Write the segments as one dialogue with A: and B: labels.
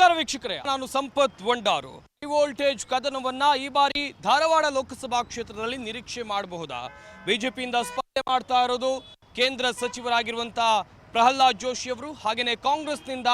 A: ನಮಸ್ಕಾರ ವೀಕ್ಷಕರೇ, ನಾನು ಸಂಪತ್ ವಂಡಾರು. ವೋಲ್ಟೇಜ್ ಕದನವನ್ನ ಈ ಬಾರಿ ಧಾರವಾಡ ಲೋಕಸಭಾ ಕ್ಷೇತ್ರದಲ್ಲಿ ನಿರೀಕ್ಷೆ ಮಾಡಬಹುದಾ? ಬಿಜೆಪಿಯಿಂದ ಸ್ಪರ್ಧೆ ಮಾಡ್ತಾ ಇರೋದು ಕೇಂದ್ರ ಸಚಿವರಾಗಿರುವಂತಹ ಪ್ರಹ್ಲಾದ್ ಜೋಶಿ ಅವರು, ಹಾಗೇನೆ ಕಾಂಗ್ರೆಸ್ನಿಂದ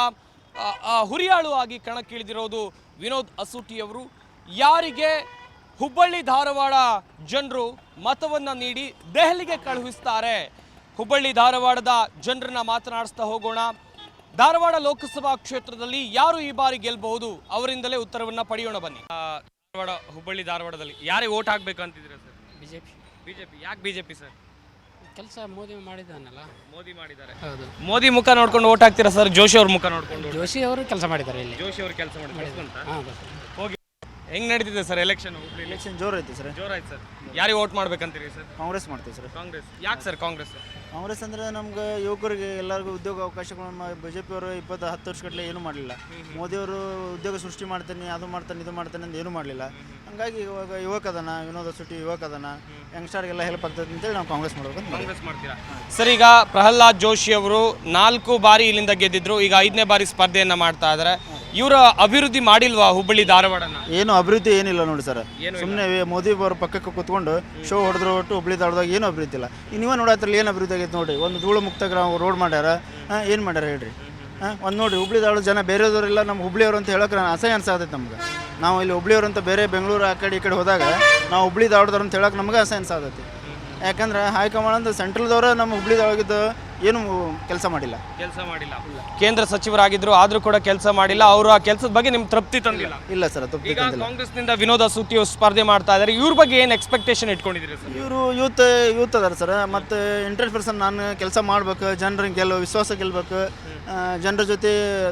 A: ಹುರಿಯಾಳು ಆಗಿ ಕಣಕ್ಕಿಳಿದಿರೋದು ವಿನೋದ್ ಅಸೂಟಿ ಅವರು. ಯಾರಿಗೆ ಹುಬ್ಬಳ್ಳಿ ಧಾರವಾಡ ಜನರು ಮತವನ್ನ ನೀಡಿ ದೆಹಲಿಗೆ ಕಳುಹಿಸ್ತಾರೆ? ಹುಬ್ಬಳ್ಳಿ ಧಾರವಾಡದ ಜನರನ್ನ ಮಾತನಾಡಿಸ್ತಾ ಹೋಗೋಣ. ಧಾರವಾಡ ಲೋಕಸಭಾ ಕ್ಷೇತ್ರದಲ್ಲಿ ಯಾರು ಈ ಬಾರಿ ಗೆಲ್ಲಬಹುದು, ಅವರಿಂದಲೇ ಉತ್ತರವನ್ನ ಪಡೆಯೋಣ ಬನ್ನಿ. ಹುಬ್ಬಳ್ಳಿ ಧಾರವಾಡದಲ್ಲಿ ಯಾರಿಗೆ ವೋಟ್ ಹಾಕ್ಬೇಕಂತಿದ್ರೆ ಸರ್? ಬಿಜೆಪಿ. ಯಾಕೆ ಬಿಜೆಪಿ ಸರ್?
B: ಕೆಲಸ ಮೋದಿ ಮಾಡಿದಾನಲ್ಲ.
A: ಮೋದಿ ಮಾಡಿದ್ದಾರೆ.
B: ಹೌದು.
A: ಮೋದಿ ಮುಖ ನೋಡ್ಕೊಂಡು ವೋಟ್ ಹಾಕ್ತೀರಾ ಸರ್? ಜೋಶಿ ಅವ್ರ ಮುಖ ನೋಡ್ಕೊಂಡು?
B: ಜೋಶಿ ಅವರು ಕೆಲಸ ಮಾಡಿದ್ದಾರೆ ಇಲ್ಲಿ.
A: ಜೋಶಿ ಅವರು ಕೆಲಸ ಮಾಡಿದ್ದಾರೆ. ಹೋಗಿ ಹೆಂಗ್ ನಡೀತಿದೆ ಸರ್ ಎಲೆಕ್ಷನ್?
C: ಎಲೆಕ್ಷನ್ ಜೋರ್ ಐತಿ ಸರ್.
A: ಜೋರಾಯ್ತು ಸರ್. ಯಾರಿಗೆ ವೋಟ್ ಮಾಡ್ಬೇಕಂತೀರಿ ಸರ್?
C: ಕಾಂಗ್ರೆಸ್ ಮಾಡ್ತೀವಿ ಸರ್.
A: ಕಾಂಗ್ರೆಸ್. ಯಾಕೆ ಸರ್ ಕಾಂಗ್ರೆಸ್?
C: ಕಾಂಗ್ರೆಸ್ ಅಂದ್ರೆ ನಮ್ಗೆ ಯುವಕರಿಗೆ ಎಲ್ಲರಿಗೂ ಉದ್ಯೋಗ ಅವಕಾಶಗಳನ್ನು ಬಿಜೆಪಿ ಅವರು 10 ವರ್ಷಗಟ್ಟಲೆ ಏನೂ ಮಾಡಲಿಲ್ಲ. ಮೋದಿಯವರು ಉದ್ಯೋಗ ಸೃಷ್ಟಿ ಮಾಡ್ತಾನೆ, ಅದು ಮಾಡ್ತಾನೆ, ಇದು ಮಾಡ್ತಾನೆ ಅಂತ ಏನೂ ಮಾಡಲಿಲ್ಲ. ಹಂಗಾಗಿ ಇವಾಗ ಯುವಕ ಅದನ, ವಿನೋದ್ ಅಸೂಟಿ ಯುವಕ ಅದನ, ಯಂಗ್ಸ್ಟರ್ಗೆಲ್ಲ ಹೆಲ್ಪ್ ಆಗ್ತದೆ ಅಂತೇಳಿ ನಾವು ಕಾಂಗ್ರೆಸ್ ಮಾಡ್ಬೇಕು.
A: ಕಾಂಗ್ರೆಸ್ ಮಾಡ್ತೀರಾ ಸರ್? ಈಗ ಪ್ರಹ್ಲಾದ್ ಜೋಶಿ ಅವರು 4 ಬಾರಿ ಇಲ್ಲಿಂದ ಗೆದ್ದಿದ್ರು, ಈಗ 5ನೇ ಬಾರಿ ಸ್ಪರ್ಧೆಯನ್ನ ಮಾಡ್ತಾ ಇದ್ದಾರೆ. ಇವರ ಅಭಿವೃದ್ಧಿ ಮಾಡಿಲ್ವಾ ಹುಬ್ಬಳ್ಳಿ ಧಾರವಾಡನ?
C: ಏನು ಅಭಿವೃದ್ಧಿ ಏನಿಲ್ಲ ನೋಡಿ ಸರ್. ಸುಮ್ಮನೆ ಮೋದಿ ಅವರ ಪಕ್ಕಕ್ಕೆ ಕೂತ್ಕೊಂಡು ಶೋ ಹೊಡೆದ್ರು ಒಟ್ಟು ಹುಬ್ಬಳ್ಳಿ ಧಾರವಾಡದಾಗ ಏನು ಅಭಿವೃದ್ಧಿ ಇಲ್ಲ. ನೀವೇ ನೋಡತ್ತಲ್ಲಿ ಏನು ಅಭಿವೃದ್ಧಿ ಆಗೈತೆ ನೋಡಿ. ಒಂದು ಧೂಳು ಮುಕ್ತ ರೋಡ್ ಮಾಡ್ಯಾರ, ಏನು ಮಾಡ್ಯಾರ ಹೇಳ್ರಿ? ಒಂದು ನೋಡಿ, ಹುಬ್ಬಳ್ಳಿ ಧಾರವಾಡ ಜನ ಬೇರೆದವರೆಲ್ಲ ನಮ್ಮ ಹುಬ್ಬಳ್ಳಿಯವರು ಅಂತ ಹೇಳೋಕೆ ಅಸಹ್ಯ ಅನ್ಸಾತೈತೆ ನಮ್ಗೆ. ನಾವು ಇಲ್ಲಿ ಹುಬ್ಬಳ್ಳಿಯವರು ಅಂತ ಬೇರೆ ಬೆಂಗಳೂರು ಆ ಕಡೆ ಈ ಕಡೆ ಹೋದಾಗ ನಾವು ಹುಬ್ಬಳ್ಳಿ ಧಾರವಾಡದವ್ರು ಅಂತ ಹೇಳೋಕೆ ನಮಗೆ ಅಸಹ್ಯ ಅನ್ಸಾತೈತಿ. ಯಾಕಂದ್ರೆ ಹೈಕಮಾಂಡ್ ಅಂತ ಸೆಂಟ್ರಲ್ದವರು ನಮ್ಮ ಹುಬ್ಬಳ್ಳಿ ಧಾರವಾಡದ್ದು ಏನು ಕೆಲಸ ಮಾಡಿಲ್ಲ. ಕೇಂದ್ರ ಸಚಿವರಾಗಿದ್ರು, ಆದ್ರೂ ಕೂಡ ಕೆಲಸ ಮಾಡಿಲ್ಲ. ಅವರು ಆ ಕೆಲಸದ ಬಗ್ಗೆ ನಿಮ್ಗೆ ತೃಪ್ತಿ ತಂದಿಲ್ಲ? ಇಲ್ಲ ಸರ್, ತೃಪ್ತಿ ತಂದಿಲ್ಲ. ಕಾಂಗ್ರೆಸ್ನಿಂದ ವಿನೋದ್ ಅಸೂಟಿ ಸ್ಪರ್ಧೆ ಮಾಡ್ತಾ ಇದ್ದಾರೆ. ಇವ್ರ ಬಗ್ಗೆ ಏನು ಎಕ್ಸ್ಪೆಕ್ಟೇಷನ್ ಇಟ್ಕೊಂಡಿದ್ದೀರಿ ಸರ್? ಇವರು ಯೂತ್ ಅದಾರ ಸರ್. ಮತ್ತು ಇಂಟ್ರೆಸ್ಟ್ ಪರ್ಸನ್, ನಾನು ಕೆಲಸ ಮಾಡ್ಬೇಕು, ಜನರಿಗೆ ವಿಶ್ವಾಸ ಗೆಲ್ಬೇಕು, ಜನರ ಜೊತೆ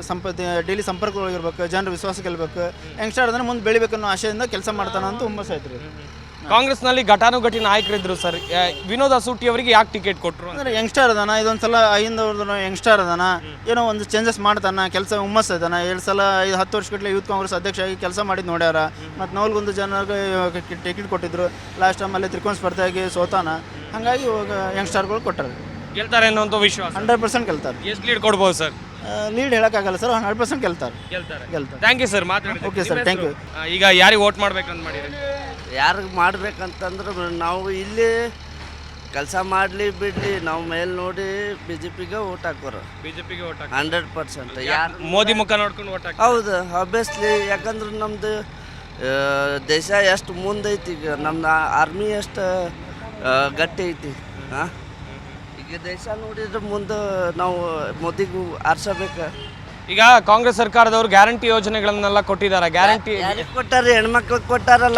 C: ಡೈಲಿ ಸಂಪರ್ಕದೊಳಗಿರ್ಬೇಕು, ಜನರ ವಿಶ್ವಾಸ ಗೆಲ್ಬೇಕು, ಯಂಗ್ಸ್ಟರ್ ಅದನ್ನು ಮುಂದೆ ಬೆಳಿಬೇಕನ್ನೋ ಆಶೆಯಿಂದ ಕೆಲಸ ಮಾಡ್ತಾನೆ ಅಂತ ಹುಮ್ಮಸ್ ಆಯ್ತು ರೀ. ಕಾಂಗ್ರೆಸ್ನಲ್ಲಿ ಘಟಾನುಘಟಿ ನಾಯಕರಿದ್ರು ಸರ್. ವಿನೋದ್ ಅಸೂಟಿ ಅವರಿಗೆ ಯಾಕೆ ಟಿಕೆಟ್ ಕೊಟ್ಟರು ಅಂದರೆ ಯಂಗ್ಸ್ಟರ್ ಅದಾನ, ಇದೊಂದ್ಸಲ 5 ಯಂಗ್ಸ್ಟರ್ ಅದಾನ, ಏನೋ ಒಂದು ಚೇಂಜಸ್ ಮಾಡ್ತಾನ, ಕೆಲಸ ಹುಮ್ಮಸ್ ಇದಾನ. 2 ಸಲ 10 ವರ್ಷಗಟ್ಟಲೆ ಯೂತ್ ಕಾಂಗ್ರೆಸ್ ಅಧ್ಯಕ್ಷ ಆಗಿ ಕೆಲಸ ಮಾಡಿದ್ದು ನೋಡ್ಯಾರ. ಮತ್ತು 4 ಜನರಿಗೆ ಟಿಕೆಟ್ ಕೊಟ್ಟಿದ್ರು. ಲಾಸ್ಟ್ ಟೈಮಲ್ಲಿ ತ್ರಿಕೋನ ಸ್ಪರ್ಧೆಯಾಗಿ ಸೋತಾನ. ಹಾಗಾಗಿ ಇವಾಗ ಯಂಗ್ಸ್ಟರ್ಗಳು ಕೊಟ್ಟಾರೆ. ಗೆಲ್ತಾರೆ ಅನ್ನೋಂಥ ವಿಶ್ವಾಸ 100% ಗೆಲ್ತಾರೆ. ಎಷ್ಟು ಲೀಡ್ ಕೊಡ್ಬೋದು ಸರ್? ಲೀಡ್ ಹೇಳೋಕ್ಕಾಗಲ್ಲ ಸರ್, 100% ಗೆಲ್ತಾರೆ. ಥ್ಯಾಂಕ್ ಯು ಸರ್, ಮಾತಾಡಿ. Okay sir, thank you. ಈಗ ಯಾರಿಗೆ ವೋಟ್ ಮಾಡ್ಬೇಕಂತ ಮಾಡಿರಿ?
D: ಯಾರಿಗೆ ಮಾಡ್ಬೇಕಂತಂದ್ರೆ ನಾವು ಇಲ್ಲಿ ಕೆಲಸ ಮಾಡಲಿ ಬಿಡಲಿ ನಾವು ಮೇಲೆ ನೋಡಿ ಬಿಜೆಪಿಗೆ ಓಟ್ ಹಾಕೋರು.
A: ಬಿಜೆಪಿಗೆ ಓಟ್
D: 100%. ಯಾರು
A: ಮೋದಿ ಮುಖ ನೋಡ್ಕೊಂಡು ಓಟ್ ಹಾಕಿ?
D: ಹೌದು, ಆಬ್ವಿಯಸ್ಲಿ. ಯಾಕಂದ್ರೆ ನಮ್ಮದು ದೇಶ ಎಷ್ಟು ಮುಂದೈತಿ, ಈಗ ನಮ್ದು ಆರ್ಮಿ ಎಷ್ಟು ಗಟ್ಟಿ ಐತಿ. ಹಾಂ, ಈಗ ದೇಶ ನೋಡಿದ್ರೆ ಮುಂದೆ ನಾವು ಮೋದಿಗೂ ಆರಿಸಬೇಕು.
A: ಈಗ ಕಾಂಗ್ರೆಸ್ ಸರ್ಕಾರದವರು ಗ್ಯಾರಂಟಿ ಯೋಜನೆಗಳನ್ನೆಲ್ಲ ಕೊಟ್ಟಿದ್ದಾರೆ. ಗ್ಯಾರಂಟಿ
D: ಕೊಟ್ಟಾರೆ, ಹೆಣ್ಮಕ್ಳಿಗೆ ಕೊಟ್ಟಾರಲ್ಲ.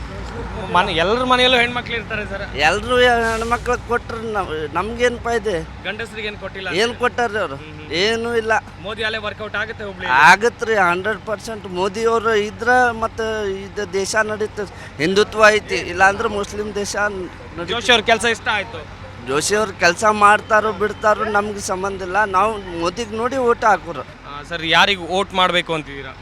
A: ಎಲ್ಲರ ಮನೆಯಲ್ಲೂ ಹೆಣ್ಮಕ್ಳು ಇರ್ತಾರೆ ಸರ್.
D: ಎಲ್ಲರೂ ಹೆಣ್ಮಕ್ಳಿಗೆ ಕೊಟ್ರೆ ನಮ್ಗೇನು ಫಾಯ್ದೆ?
A: ಗಂಡಸರಿಗೆ ಏನು ಕೊಟ್ಟಿಲ್ಲ?
D: ಏನು ಕೊಟ್ಟಾರ್ರಿ ಅವರು? ಏನೂ ಇಲ್ಲ.
A: ಮೋದಿ ಅಲ್ಲೇ ವರ್ಕೌಟ್ ಆಗುತ್ತೆ ಹುಬ್ಳಿ?
D: ಆಗತ್ರಿ, 100%. ಮೋದಿಯವರು ಇದ್ರೆ ಮತ್ತು ಇದು ದೇಶ ನಡೀತದೆ. ಹಿಂದುತ್ವ ಐತಿ, ಇಲ್ಲಾಂದ್ರೆ ಮುಸ್ಲಿಂ ದೇಶ.
A: ಜೋಶಿ ಅವ್ರ ಕೆಲಸ ಇಷ್ಟ ಆಯ್ತು.
D: ಜೋಶಿ ಅವ್ರು ಕೆಲಸ ಮಾಡ್ತಾರೋ ಬಿಡ್ತಾರೋ ನಮ್ಗೆ ಸಂಬಂಧ ಇಲ್ಲ. ನಾವು ಮೋದಿಗೆ ನೋಡಿ ಓಟ್ ಹಾಕೋರು.
A: ಸರ್, ಯಾರಿಗೆ ವೋಟ್ ಮಾಡಬೇಕು ಅಂತಿದ್ದೀರಾ?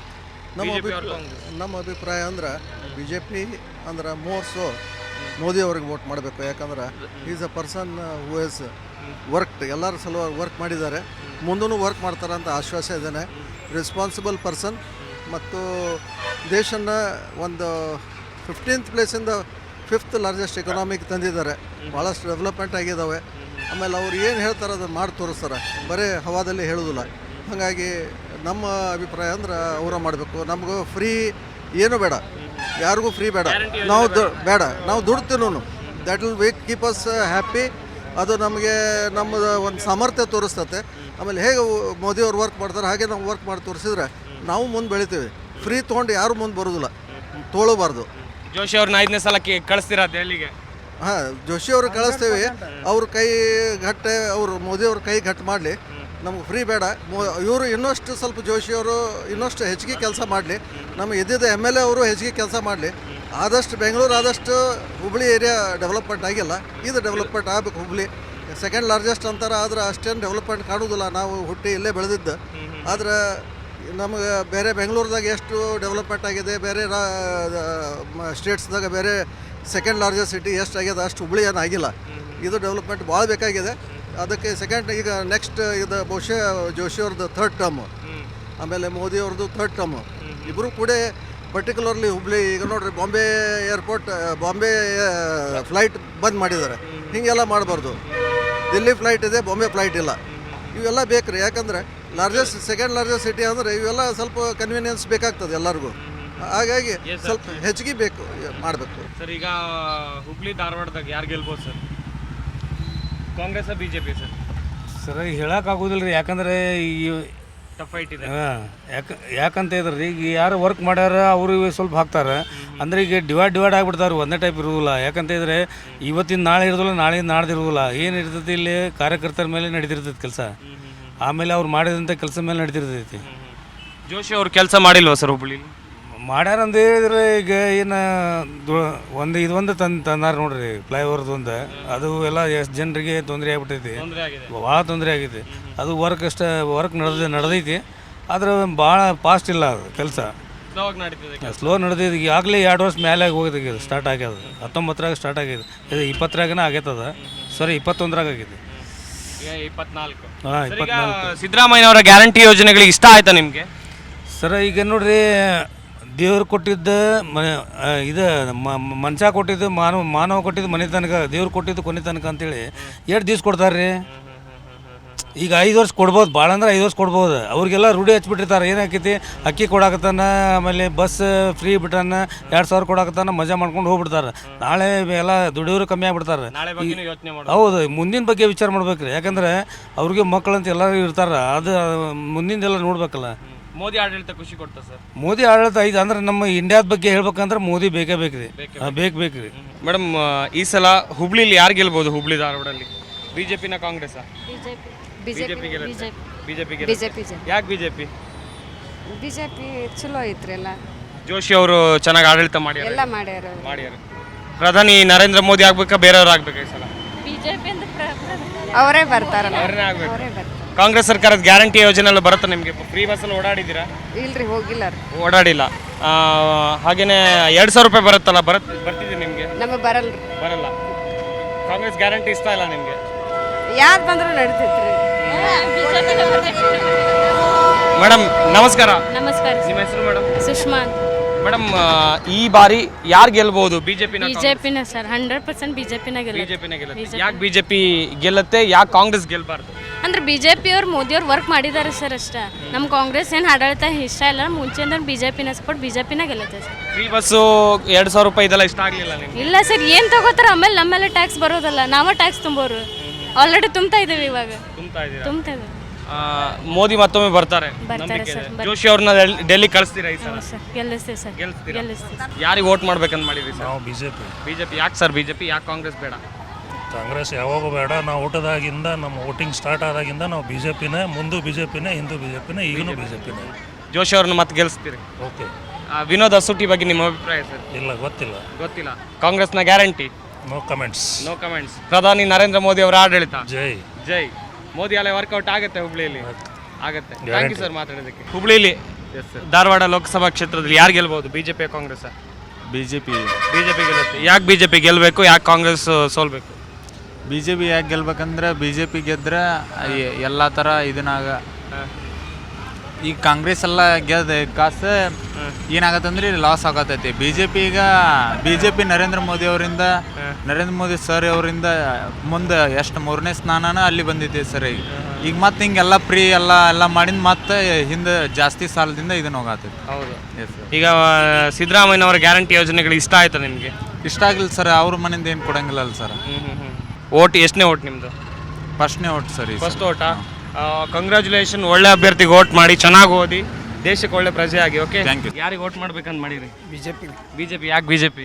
E: ನಮ್ಮ ಅಭಿಪ್ರಾಯ ಅಂದ್ರೆ BJP ಅಂದ್ರೆ ಮೋರ್ಸು ಮೋದಿ ಅವ್ರಿಗೆ ವೋಟ್ ಮಾಡಬೇಕು. ಯಾಕಂದ್ರೆ is a person who is work, ಎಲ್ಲರ ಸಲುವಾಗಿ ವರ್ಕ್ ಮಾಡಿದ್ದಾರೆ, ಮುಂದೂ ವರ್ಕ್ ಮಾಡ್ತಾರೆ ಅಂತ ಆಶ್ವಾಸ ಇದ್ದಾನೆ. ರೆಸ್ಪಾನ್ಸಿಬಲ್ ಪರ್ಸನ್ ಮತ್ತು ದೇಶನ ಒಂದು 15th ಪ್ಲೇಸಿಂದ 5th ಲಾರ್ಜೆಸ್ಟ್ ಎಕನಾಮಿಕ್ ತಂದಿದ್ದಾರೆ. ಭಾಳಷ್ಟು ಡೆವಲಪ್ಮೆಂಟ್ ಆಗಿದ್ದಾವೆ. ಆಮೇಲೆ ಅವ್ರು ಏನು ಹೇಳ್ತಾರೆ ಅದನ್ನು ಮಾಡಿ ತೋರಿಸ್ತಾರೆ, ಬರೀ ಹವಾದಲ್ಲಿ ಹೇಳೋದಿಲ್ಲ. ಹಾಗಾಗಿ ನಮ್ಮ ಅಭಿಪ್ರಾಯ ಅಂದ್ರೆ ಅವರ ಮಾಡಬೇಕು. ನಮಗೂ ಫ್ರೀ ಏನೂ ಬೇಡ, ಯಾರಿಗೂ ಫ್ರೀ ಬೇಡ. ನಾವು ಬೇಡ, ನಾವು ದುಡ್ತೀನೂ. That will keep us happy. ಅದು ನಮಗೆ ನಮ್ಮದು ಒಂದು ಸಾಮರ್ಥ್ಯ ತೋರಿಸ್ತತೆ. ಆಮೇಲೆ ಹೇಗೆ ಮೋದಿಯವ್ರು ವರ್ಕ್ ಮಾಡ್ತಾರೆ ಹಾಗೆ ನಾವು ವರ್ಕ್ ಮಾಡಿ ತೋರಿಸಿದ್ರೆ ನಾವು ಮುಂದೆ ಬೆಳಿತೀವಿ. ಫ್ರೀ ತೊಗೊಂಡು ಯಾರು ಮುಂದೆ ಬರೋದಿಲ್ಲ, ತೊಗೊಳ್ಬಾರ್ದು.
A: ಜೋಶಿ ಅವ್ರನ್ನ 5ನೇ ಸಲ ಕಳಿಸ್ತೀರಾ ದೆಹಲಿಗೆ?
E: ಹಾಂ, ಜೋಶಿ ಅವ್ರಿಗೆ ಕಳಿಸ್ತೀವಿ. ಅವ್ರ ಕೈ ಗಟ್ಟೆ, ಅವರು ಮೋದಿಯವ್ರ ಕೈ ಗಟ್ಟು ಮಾಡಲಿ, ನಮ್ಗೆ ಫ್ರೀ ಬೇಡ. ಇವರು ಇನ್ನಷ್ಟು ಸ್ವಲ್ಪ ಜೋಶಿಯವರು ಇನ್ನಷ್ಟು ಹೆಚ್ಚಿಗೆ ಕೆಲಸ ಮಾಡಲಿ. ನಮ್ಮ ಇದ್ದಿದ್ದ MLA ಅವರು ಹೆಚ್ಚಿಗೆ ಕೆಲಸ ಮಾಡಲಿ. ಆದಷ್ಟು ಬೆಂಗಳೂರು ಆದಷ್ಟು ಹುಬ್ಬಳ್ಳಿ ಏರಿಯಾ ಡೆವಲಪ್ಮೆಂಟ್ ಆಗಿಲ್ಲ, ಇದು ಡೆವಲಪ್ಮೆಂಟ್ ಆಗಬೇಕು. ಹುಬ್ಬಳ್ಳಿ 2nd ಲಾರ್ಜೆಸ್ಟ್ ಅಂತಾರೆ, ಆದರೆ ಅಷ್ಟೇನು ಡೆವಲಪ್ಮೆಂಟ್ ಕಾಣೋದಿಲ್ಲ. ನಾವು ಹುಟ್ಟಿ ಇಲ್ಲೇ ಬೆಳೆದಿದ್ದು. ಆದರೆ ನಮಗೆ ಬೇರೆ ಬೆಂಗಳೂರದಾಗ ಎಷ್ಟು ಡೆವಲಪ್ಮೆಂಟ್ ಆಗಿದೆ, ಬೇರೆ ಸ್ಟೇಟ್ಸ್ದಾಗ ಬೇರೆ 2nd ಲಾರ್ಜೆಸ್ಟ್ ಸಿಟಿ ಎಷ್ಟು ಆಗಿದೆ ಅಷ್ಟು ಹುಬ್ಬಳ್ಳಿ ಏನು ಆಗಿಲ್ಲ. ಇದು ಡೆವಲಪ್ಮೆಂಟ್ ಭಾಳ ಬೇಕಾಗಿದೆ. ಅದಕ್ಕೆ ಸೆಕೆಂಡ್ ಈಗ ನೆಕ್ಸ್ಟ್ ಇದು ಬಹುಶಃ ಜೋಶಿ ಅವ್ರದ್ದು 3rd ಟರ್ಮ್. ಆಮೇಲೆ ಮೋದಿ ಅವ್ರದ್ದು ಥರ್ಡ್ ಟರ್ಮ್. ಇಬ್ಬರು ಕೂಡ ಪರ್ಟಿಕ್ಯುಲರ್ಲಿ ಹುಬ್ಳಿ ಈಗ ನೋಡ್ರಿ ಬಾಂಬೆ ಏರ್ಪೋರ್ಟ್ ಬಾಂಬೆ ಫ್ಲೈಟ್ ಬಂದ್ ಮಾಡಿದ್ದಾರೆ. ಹೀಗೆಲ್ಲ ಮಾಡಬಾರ್ದು. ದಿಲ್ಲಿ ಫ್ಲೈಟ್ ಇದೆ, ಬಾಂಬೆ ಫ್ಲೈಟ್ ಇಲ್ಲ. ಇವೆಲ್ಲ ಬೇಕು ರೀ, ಯಾಕಂದರೆ ಸೆಕೆಂಡ್ ಲಾರ್ಜೆಸ್ಟ್ ಸಿಟಿ ಅಂದರೆ ಇವೆಲ್ಲ ಸ್ವಲ್ಪ ಕನ್ವೀನಿಯನ್ಸ್ ಬೇಕಾಗ್ತದೆ ಎಲ್ಲರಿಗೂ. ಹಾಗಾಗಿ ಸ್ವಲ್ಪ ಹೆಚ್ಚಿಗೆ ಬೇಕು ಮಾಡಬೇಕು
A: ಸರ್. ಈಗ ಹುಬ್ಳಿ ಧಾರವಾಡದಾಗ ಯಾರು ಗೆಲ್ಬೋದು sir? Congress BJP sir?
F: Sir ಹೇಳೋಕ್ಕಾಗೋದಿಲ್ಲ ರೀ, ಯಾಕಂದರೆ ಈ
A: ಟಫ್ ಫೈಟ್ ಇದೆ.
F: ಯಾಕಂತ ಇದ್ರಿ ಈಗ ಯಾರು ವರ್ಕ್ ಮಾಡ್ಯಾರ ಅವರು ಸ್ವಲ್ಪ ಹಾಕ್ತಾರೆ. ಅಂದರೆ ಈಗ ಡಿವೈಡ್ ಆಗಿಬಿಡ್ತಾರೆ, ಒಂದೇ ಟೈಪ್ ಇರೋದಿಲ್ಲ. ಯಾಕಂತ ಇದ್ರೆ ಇವತ್ತಿನ ನಾಳೆ ಇರೋದಿಲ್ಲ, ನಾಳೆ ನಾಡ್ದು ಇರೋದಿಲ್ಲ. ಏನು ಇರ್ತೈತಿ ಇಲ್ಲಿ ಕಾರ್ಯಕರ್ತರ ಮೇಲೆ ನಡೀತಿರ್ತೈತಿ ಕೆಲಸ, ಆಮೇಲೆ ಅವ್ರು ಮಾಡಿದಂಥ ಕೆಲಸ ಮೇಲೆ ನಡೀತಿರ್ತೈತಿ.
A: ಜೋಶಿ ಅವ್ರು ಕೆಲಸ ಮಾಡಿಲ್ವಾ ಸರ್ ಹುಬ್ಳಿ?
F: ಮಾಡ್ಯಾರ ಅಂತ ಹೇಳಿದ್ರೆ ಈಗ ಏನು ಇದೊಂದು ತಂದಾರ ನೋಡ್ರಿ, ಫ್ಲೈಓವರ್ದು ಒಂದು. ಅದು ಎಲ್ಲ ಎಷ್ಟು ಜನರಿಗೆ ತೊಂದರೆ ಆಗ್ಬಿಟ್ಟೈತಿ, ಭಾಳ ತೊಂದರೆ ಆಗೈತಿ. ಅದು ವರ್ಕ್ ನಡೆದೈತಿ, ಆದ್ರೆ ಭಾಳ ಫಾಸ್ಟ್ ಇಲ್ಲ ಅದು ಕೆಲಸ, ಸ್ಲೋ ನಡೆದೈತಿ. ಈಗಾಗಲೇ 2 ವರ್ಷ ಮೇಲೆ ಹೋಗಿದೆ, ಇದು ಸ್ಟಾರ್ಟ್ ಆಗ್ಯದ. 19ರಾಗ ಸ್ಟಾರ್ಟ್ ಆಗ್ಯದ, ಇದು 20ರಾಗನ ಆಗೈತದ. ಸರಿ 21ರಾಗ ಆಗೈತಿ.
A: 24.
F: ಹಾಂ 24.
A: ಸಿದ್ದರಾಮಯ್ಯ ಅವರ ಗ್ಯಾರಂಟಿ ಯೋಜನೆಗಳಿಗೆ ಇಷ್ಟ ಆಯ್ತಾ ನಿಮಗೆ?
F: ಸರ ಈಗ ನೋಡ್ರಿ, ದೇವ್ರು ಕೊಟ್ಟಿದ್ದು ಇದು ಮನುಷ್ಯ ಕೊಟ್ಟಿದ್ದು ಮಾನವ ಕೊಟ್ಟಿದ್ದು ಮನೆ ತನಕ, ದೇವ್ರು ಕೊಟ್ಟಿದ್ದು ಕೊನೆ ತನಕ ಅಂತೇಳಿ ಎಷ್ಟು ದಿವ್ಸ ಕೊಡ್ತಾರೆ ರೀ? ಈಗ 5 ವರ್ಷ ಕೊಡ್ಬೋದು, ಭಾಳ ಅಂದ್ರೆ 5 ವರ್ಷ ಕೊಡ್ಬೋದು. ಅವ್ರಿಗೆಲ್ಲ ರೂಢಿ ಹಚ್ಬಿಟ್ಟಿರ್ತಾರೆ. ಏನಾಕೈತಿ, ಅಕ್ಕಿ ಕೊಡಾಕತ್ತಾನ, ಆಮೇಲೆ ಬಸ್ ಫ್ರೀ ಬಿಟ್ಟಾನ, 2,000 ಕೊಡಾಕತ್ತಾನ, ಮಜಾ ಮಾಡ್ಕೊಂಡು ಹೋಗ್ಬಿಡ್ತಾರೆ. ನಾಳೆ ಎಲ್ಲ ದುಡಿಯೋರು ಕಮ್ಮಿ ಆಗ್ಬಿಡ್ತಾರೆ. ಹೌದು, ಮುಂದಿನ ಬಗ್ಗೆ ವಿಚಾರ ಮಾಡ್ಬೇಕ್ರಿ. ಯಾಕಂದ್ರೆ ಅವ್ರಿಗೆ ಮಕ್ಕಳಂತ ಎಲ್ಲರೂ ಇರ್ತಾರೆ, ಅದು ಮುಂದಿಂದೆಲ್ಲ ನೋಡ್ಬೇಕಲ್ಲ.
A: ಮೋದಿ ಆಡಳಿತ ಖುಷಿ ಕೊಡ್ತಾ ಸರ್?
F: ಮೋದಿ ಆಡಳಿತ ಐದು ಅಂದ್ರೆ ನಮ್ಮ ಇಂಡಿಯಾದ ಬಗ್ಗೆ ಹೇಳ್ಬೇಕಂದ್ರೆ ಮೋದಿ ಬೇಕೇ ಬೇಕ್ರಿ. ಬೇಕ್ರಿ
A: ಮೇಡಮ್. ಈ ಸಲ ಹುಬ್ಳಿಲಿ ಯಾರು ಗೆಲ್ಬೋದು? ಹುಬ್ಳಿ ಧಾರವಾಡಲ್ಲಿ ಬಿಜೆಪಿನ ಕಾಂಗ್ರೆಸ್? ಬಿಜೆಪಿ. ಯಾಕೆ ಬಿಜೆಪಿ?
G: ಬಿಜೆಪಿ ಚಲೋ ಐತ್ರಿ ಎಲ್ಲ.
A: ಜೋಶಿ ಅವರು ಚೆನ್ನಾಗಿ ಆಡಳಿತ
G: ಎಲ್ಲ ಮಾಡ್ಯಾರ.
A: ಪ್ರಧಾನಿ ನರೇಂದ್ರ ಮೋದಿ ಆಗ್ಬೇಕಾ ಬೇರೆಯವ್ರು ಆಗ್ಬೇಕಾ ಈ ಸಲ?
G: ಬಿಜೆಪಿ ಅವರೇ ಬರ್ತಾರಲ್ಲ.
A: ಕಾಂಗ್ರೆಸ್ ಸರ್ಕಾರದ ಗ್ಯಾರಂಟಿ ಯೋಜನೆ ಎಲ್ಲ ಬರುತ್ತೆ ನಿಮಗೆ? ಫ್ರೀ ಬಸ್ಸಲ್ಲಿ ಓಡಾಡಿದ್ದೀರಾ?
G: ಇಲ್ರಿ, ಹೋಗಿಲ್ಲ ರೀ.
A: ಓಡಾಡಿಲ್ಲ. ಹಾಗೇನೆ 2,000 ರೂಪಾಯಿ ಬರುತ್ತಲ್ಲ, ಬರ್ತಿದೆ ನಿಮಗೆ?
G: ನಮಗೆ ಬರಲ್ಲ.
A: ಕಾಂಗ್ರೆಸ್ ಗ್ಯಾರಂಟಿ ಇಷ್ಟ ಇಲ್ಲ ನಿಮಗೆ?
G: ಯಾರು ಬಂದರೂ ನಡೀತೈತ್ರಿ.
A: ಮೇಡಮ್ ನಮಸ್ಕಾರ.
H: ನಮಸ್ಕಾರ.
A: ನಿಮ್ಮ ಹೆಸರು ಮೇಡಮ್?
H: ಸುಷ್ಮಾ.
A: ಮೇಡಮ್, ಈ ಬಾರಿ ಯಾರು ಗೆಲ್ಬಹುದು? ಬಿಜೆಪಿನ?
H: ಬಿಜೆಪಿನ ಸರ್, 100% ಬಿಜೆಪಿನ ಗೆಲ್ಲುತ್ತೆ.
A: ಯಾಕೆ ಬಿಜೆಪಿ ಗೆಲ್ಲುತ್ತೆ, ಯಾಕೆ ಕಾಂಗ್ರೆಸ್ ಗೆಲ್ಬಾರ್ದು?
H: ಅಂದ್ರೆ ಬಿಜೆಪಿ ಅವ್ರು ಮೋದಿ ಅವ್ರು ವರ್ಕ್ ಮಾಡಿದ್ದಾರೆ ಸರ್ ಅಷ್ಟೇ. ನಮ್ಮ ಕಾಂಗ್ರೆಸ್ ಏನು ಆಡಳಿತ ಇಷ್ಟ ಇಲ್ಲ. ಮುಂಚೆಯಿಂದ ಬಿಜೆಪಿನ ಸಪೋರ್ಟ್, ಬಿಜೆಪಿನ ಗೆಲ್ಲುತ್ತೆ ಸರ್.
A: ಫ್ರೀ ಬಸ್ಸು 2,000 ರೂಪಾಯಿ ಇದೆಲ್ಲ ಇಷ್ಟ ಆಗಲಿಲ್ಲ ನಿಮಗೆ?
H: ಇಲ್ಲ ಸರ್, ಏನು ತಗೋತಾರೆ ಆಮೇಲೆ ನಮ್ಮೆಲ್ಲ ಟ್ಯಾಕ್ಸ್ ಬರೋದಲ್ಲ, ನಾವೇ ಟ್ಯಾಕ್ಸ್ ತುಂಬೋರು. ಆಲ್ರೆಡಿ ತುಂಬ್ತಾ ಇದ್ದೀವಿ, ಇವಾಗ ತುಂಬ್ತಾ ಇದ್ದೀವಿ.
A: ಮೋದಿ ಮತ್ತೊಮ್ಮೆ ಬರ್ತಾರೆ
H: ಸರ್.
A: ಜೋಶಿ ಅವ್ರನ್ನ ಡೆಲ್ಲಿ ಕಳಿಸ್ತೀರಾ ಈ ಸಲ?
H: ಸರ್ ಗೆಲ್ಲಿಸ್ತೀವಿ ಸರ್, ಗೆಲ್ಲಿಸ್ತೀವಿ.
A: ಯಾರಿಗೆ ವೋಟ್ ಮಾಡ್ಬೇಕಂತ ಮಾಡಿದ್ರಿ ಸರ್?
I: ನಾವು ಬಿಜೆಪಿ.
A: ಯಾಕೆ ಸರ್ ಬಿಜೆಪಿ, ಯಾಕೆ ಕಾಂಗ್ರೆಸ್ ಬೇಡ?
I: ಕಾಂಗ್ರೆಸ್ ಯಾವಾಗೂ ಬೇಡ. ನಾವು ಊಟದಾಗಿಂದ ನಮ್ಮ ವೋಟಿಂಗ್ ಸ್ಟಾರ್ಟ್ ಆದಾಗಿಂದ ನಾವು ಬಿಜೆಪಿನೇ, ಮುಂದೆ ಬಿಜೆಪಿನೇ, ಹಿಂದೂ ಬಿಜೆಪಿನೇ, ಈಗಲೂ ಬಿಜೆಪಿನೇ.
A: ಜೋಶಿ ಅವ್ರನ್ನ ಮತ್ತೆ ಗೆಲ್ಲಿಸ್ತೀರಿ?
I: ಓಕೆ.
A: ವಿನೋದ್ ಅಸೂಟಿ ಬಗ್ಗೆ ನಿಮ್ಮ ಅಭಿಪ್ರಾಯ ಸರ್?
I: ಇಲ್ಲ, ಗೊತ್ತಿಲ್ಲ.
A: ಕಾಂಗ್ರೆಸ್ನ ಗ್ಯಾರಂಟಿ?
I: No comments.
A: ಪ್ರಧಾನಿ ನರೇಂದ್ರ ಮೋದಿ ಅವರ ಆಡಳಿತ?
I: ಜೈ.
A: ಮೋದಿ ಅಲೆ ವರ್ಕೌಟ್ ಆಗುತ್ತೆ ಹುಬ್ಳಿಯಲ್ಲಿ? ಆಗುತ್ತೆ. ಥ್ಯಾಂಕ್ ಯು ಸರ್ ಮಾತಾಡೋದಕ್ಕೆ. ಹುಬ್ಳಿಲಿ ಧಾರವಾಡ ಲೋಕಸಭಾ ಕ್ಷೇತ್ರದಲ್ಲಿ ಯಾರು ಗೆಲ್ಬಹುದು, ಬಿಜೆಪಿ ಕಾಂಗ್ರೆಸ್?
J: ಬಿಜೆಪಿ
A: ಗೆಲ್ಲುತ್ತೆ. ಯಾಕೆ ಬಿಜೆಪಿ ಗೆಲ್ಲಬೇಕು, ಯಾಕೆ ಕಾಂಗ್ರೆಸ್ ಸೋಲ್ಬೇಕು?
J: ಬಿಜೆಪಿ ಯಾಕೆ ಗೆಲ್ಬೇಕಂದ್ರೆ ಬಿಜೆಪಿ ಗೆದ್ರೆ ಎಲ್ಲ ಥರ ಇದನ್ನಾಗ ಈಗ ಕಾಂಗ್ರೆಸ್ ಎಲ್ಲ ಗೆದ್ದ ಕಾಸು ಏನಾಗತ್ತಂದ್ರೆ ಲಾಸ್ ಆಗತೈತಿ. ಬಿಜೆಪಿ ನರೇಂದ್ರ ಮೋದಿ ಅವರಿಂದ, ನರೇಂದ್ರ ಮೋದಿ ಸರ್ ಅವರಿಂದ ಮುಂದೆ ಎಷ್ಟು 3ನೇ ಸ್ಥಾನನ ಅಲ್ಲಿ ಬಂದಿದೆ ಸರ್. ಈಗ ಮತ್ತೆ ಹಿಂಗೆಲ್ಲ ಫ್ರೀ ಎಲ್ಲ ಮಾಡಿದ ಮತ್ತೆ ಹಿಂದೆ ಜಾಸ್ತಿ ಸಾಲದಿಂದ ಇದನ್ನ ಹೋಗತ್ತೈತಿ.
A: ಹೌದು. ಈಗ ಸಿದ್ದರಾಮಯ್ಯನವರ ಗ್ಯಾರಂಟಿ ಯೋಜನೆಗಳು ಇಷ್ಟ ಆಯ್ತಾ ನಿಮಗೆ?
J: ಇಷ್ಟ ಆಗಿಲ್ಲ ಸರ್. ಅವ್ರ ಮನೆಯಿಂದ ಏನು ಕೊಡಂಗಿಲ್ಲ ಸರ್.
A: ಓಟ್ ಎಷ್ಟನೇ ಓಟ್ ನಿಮ್ಮದು?
J: ಫಸ್ಟ್ನೇ ಓಟ್ ಸರ್.
A: ಫಸ್ಟ್ ಓಟಾ? ಕಂಗ್ರ್ಯಾಚುಲೇಷನ್. ಒಳ್ಳೆ ಅಭ್ಯರ್ಥಿಗೆ ಓಟ್ ಮಾಡಿ, ಚೆನ್ನಾಗಿ ಓದಿ, ದೇಶಕ್ಕೆ ಒಳ್ಳೆ ಪ್ರಜೆ ಆಗಿ. Okay, thank you. ಯಾರಿಗೆ ಓಟ್ ಮಾಡ್ಬೇಕಂತ ಮಾಡಿರಿ? ಬಿಜೆಪಿ. ಯಾಕೆ ಬಿಜೆಪಿ?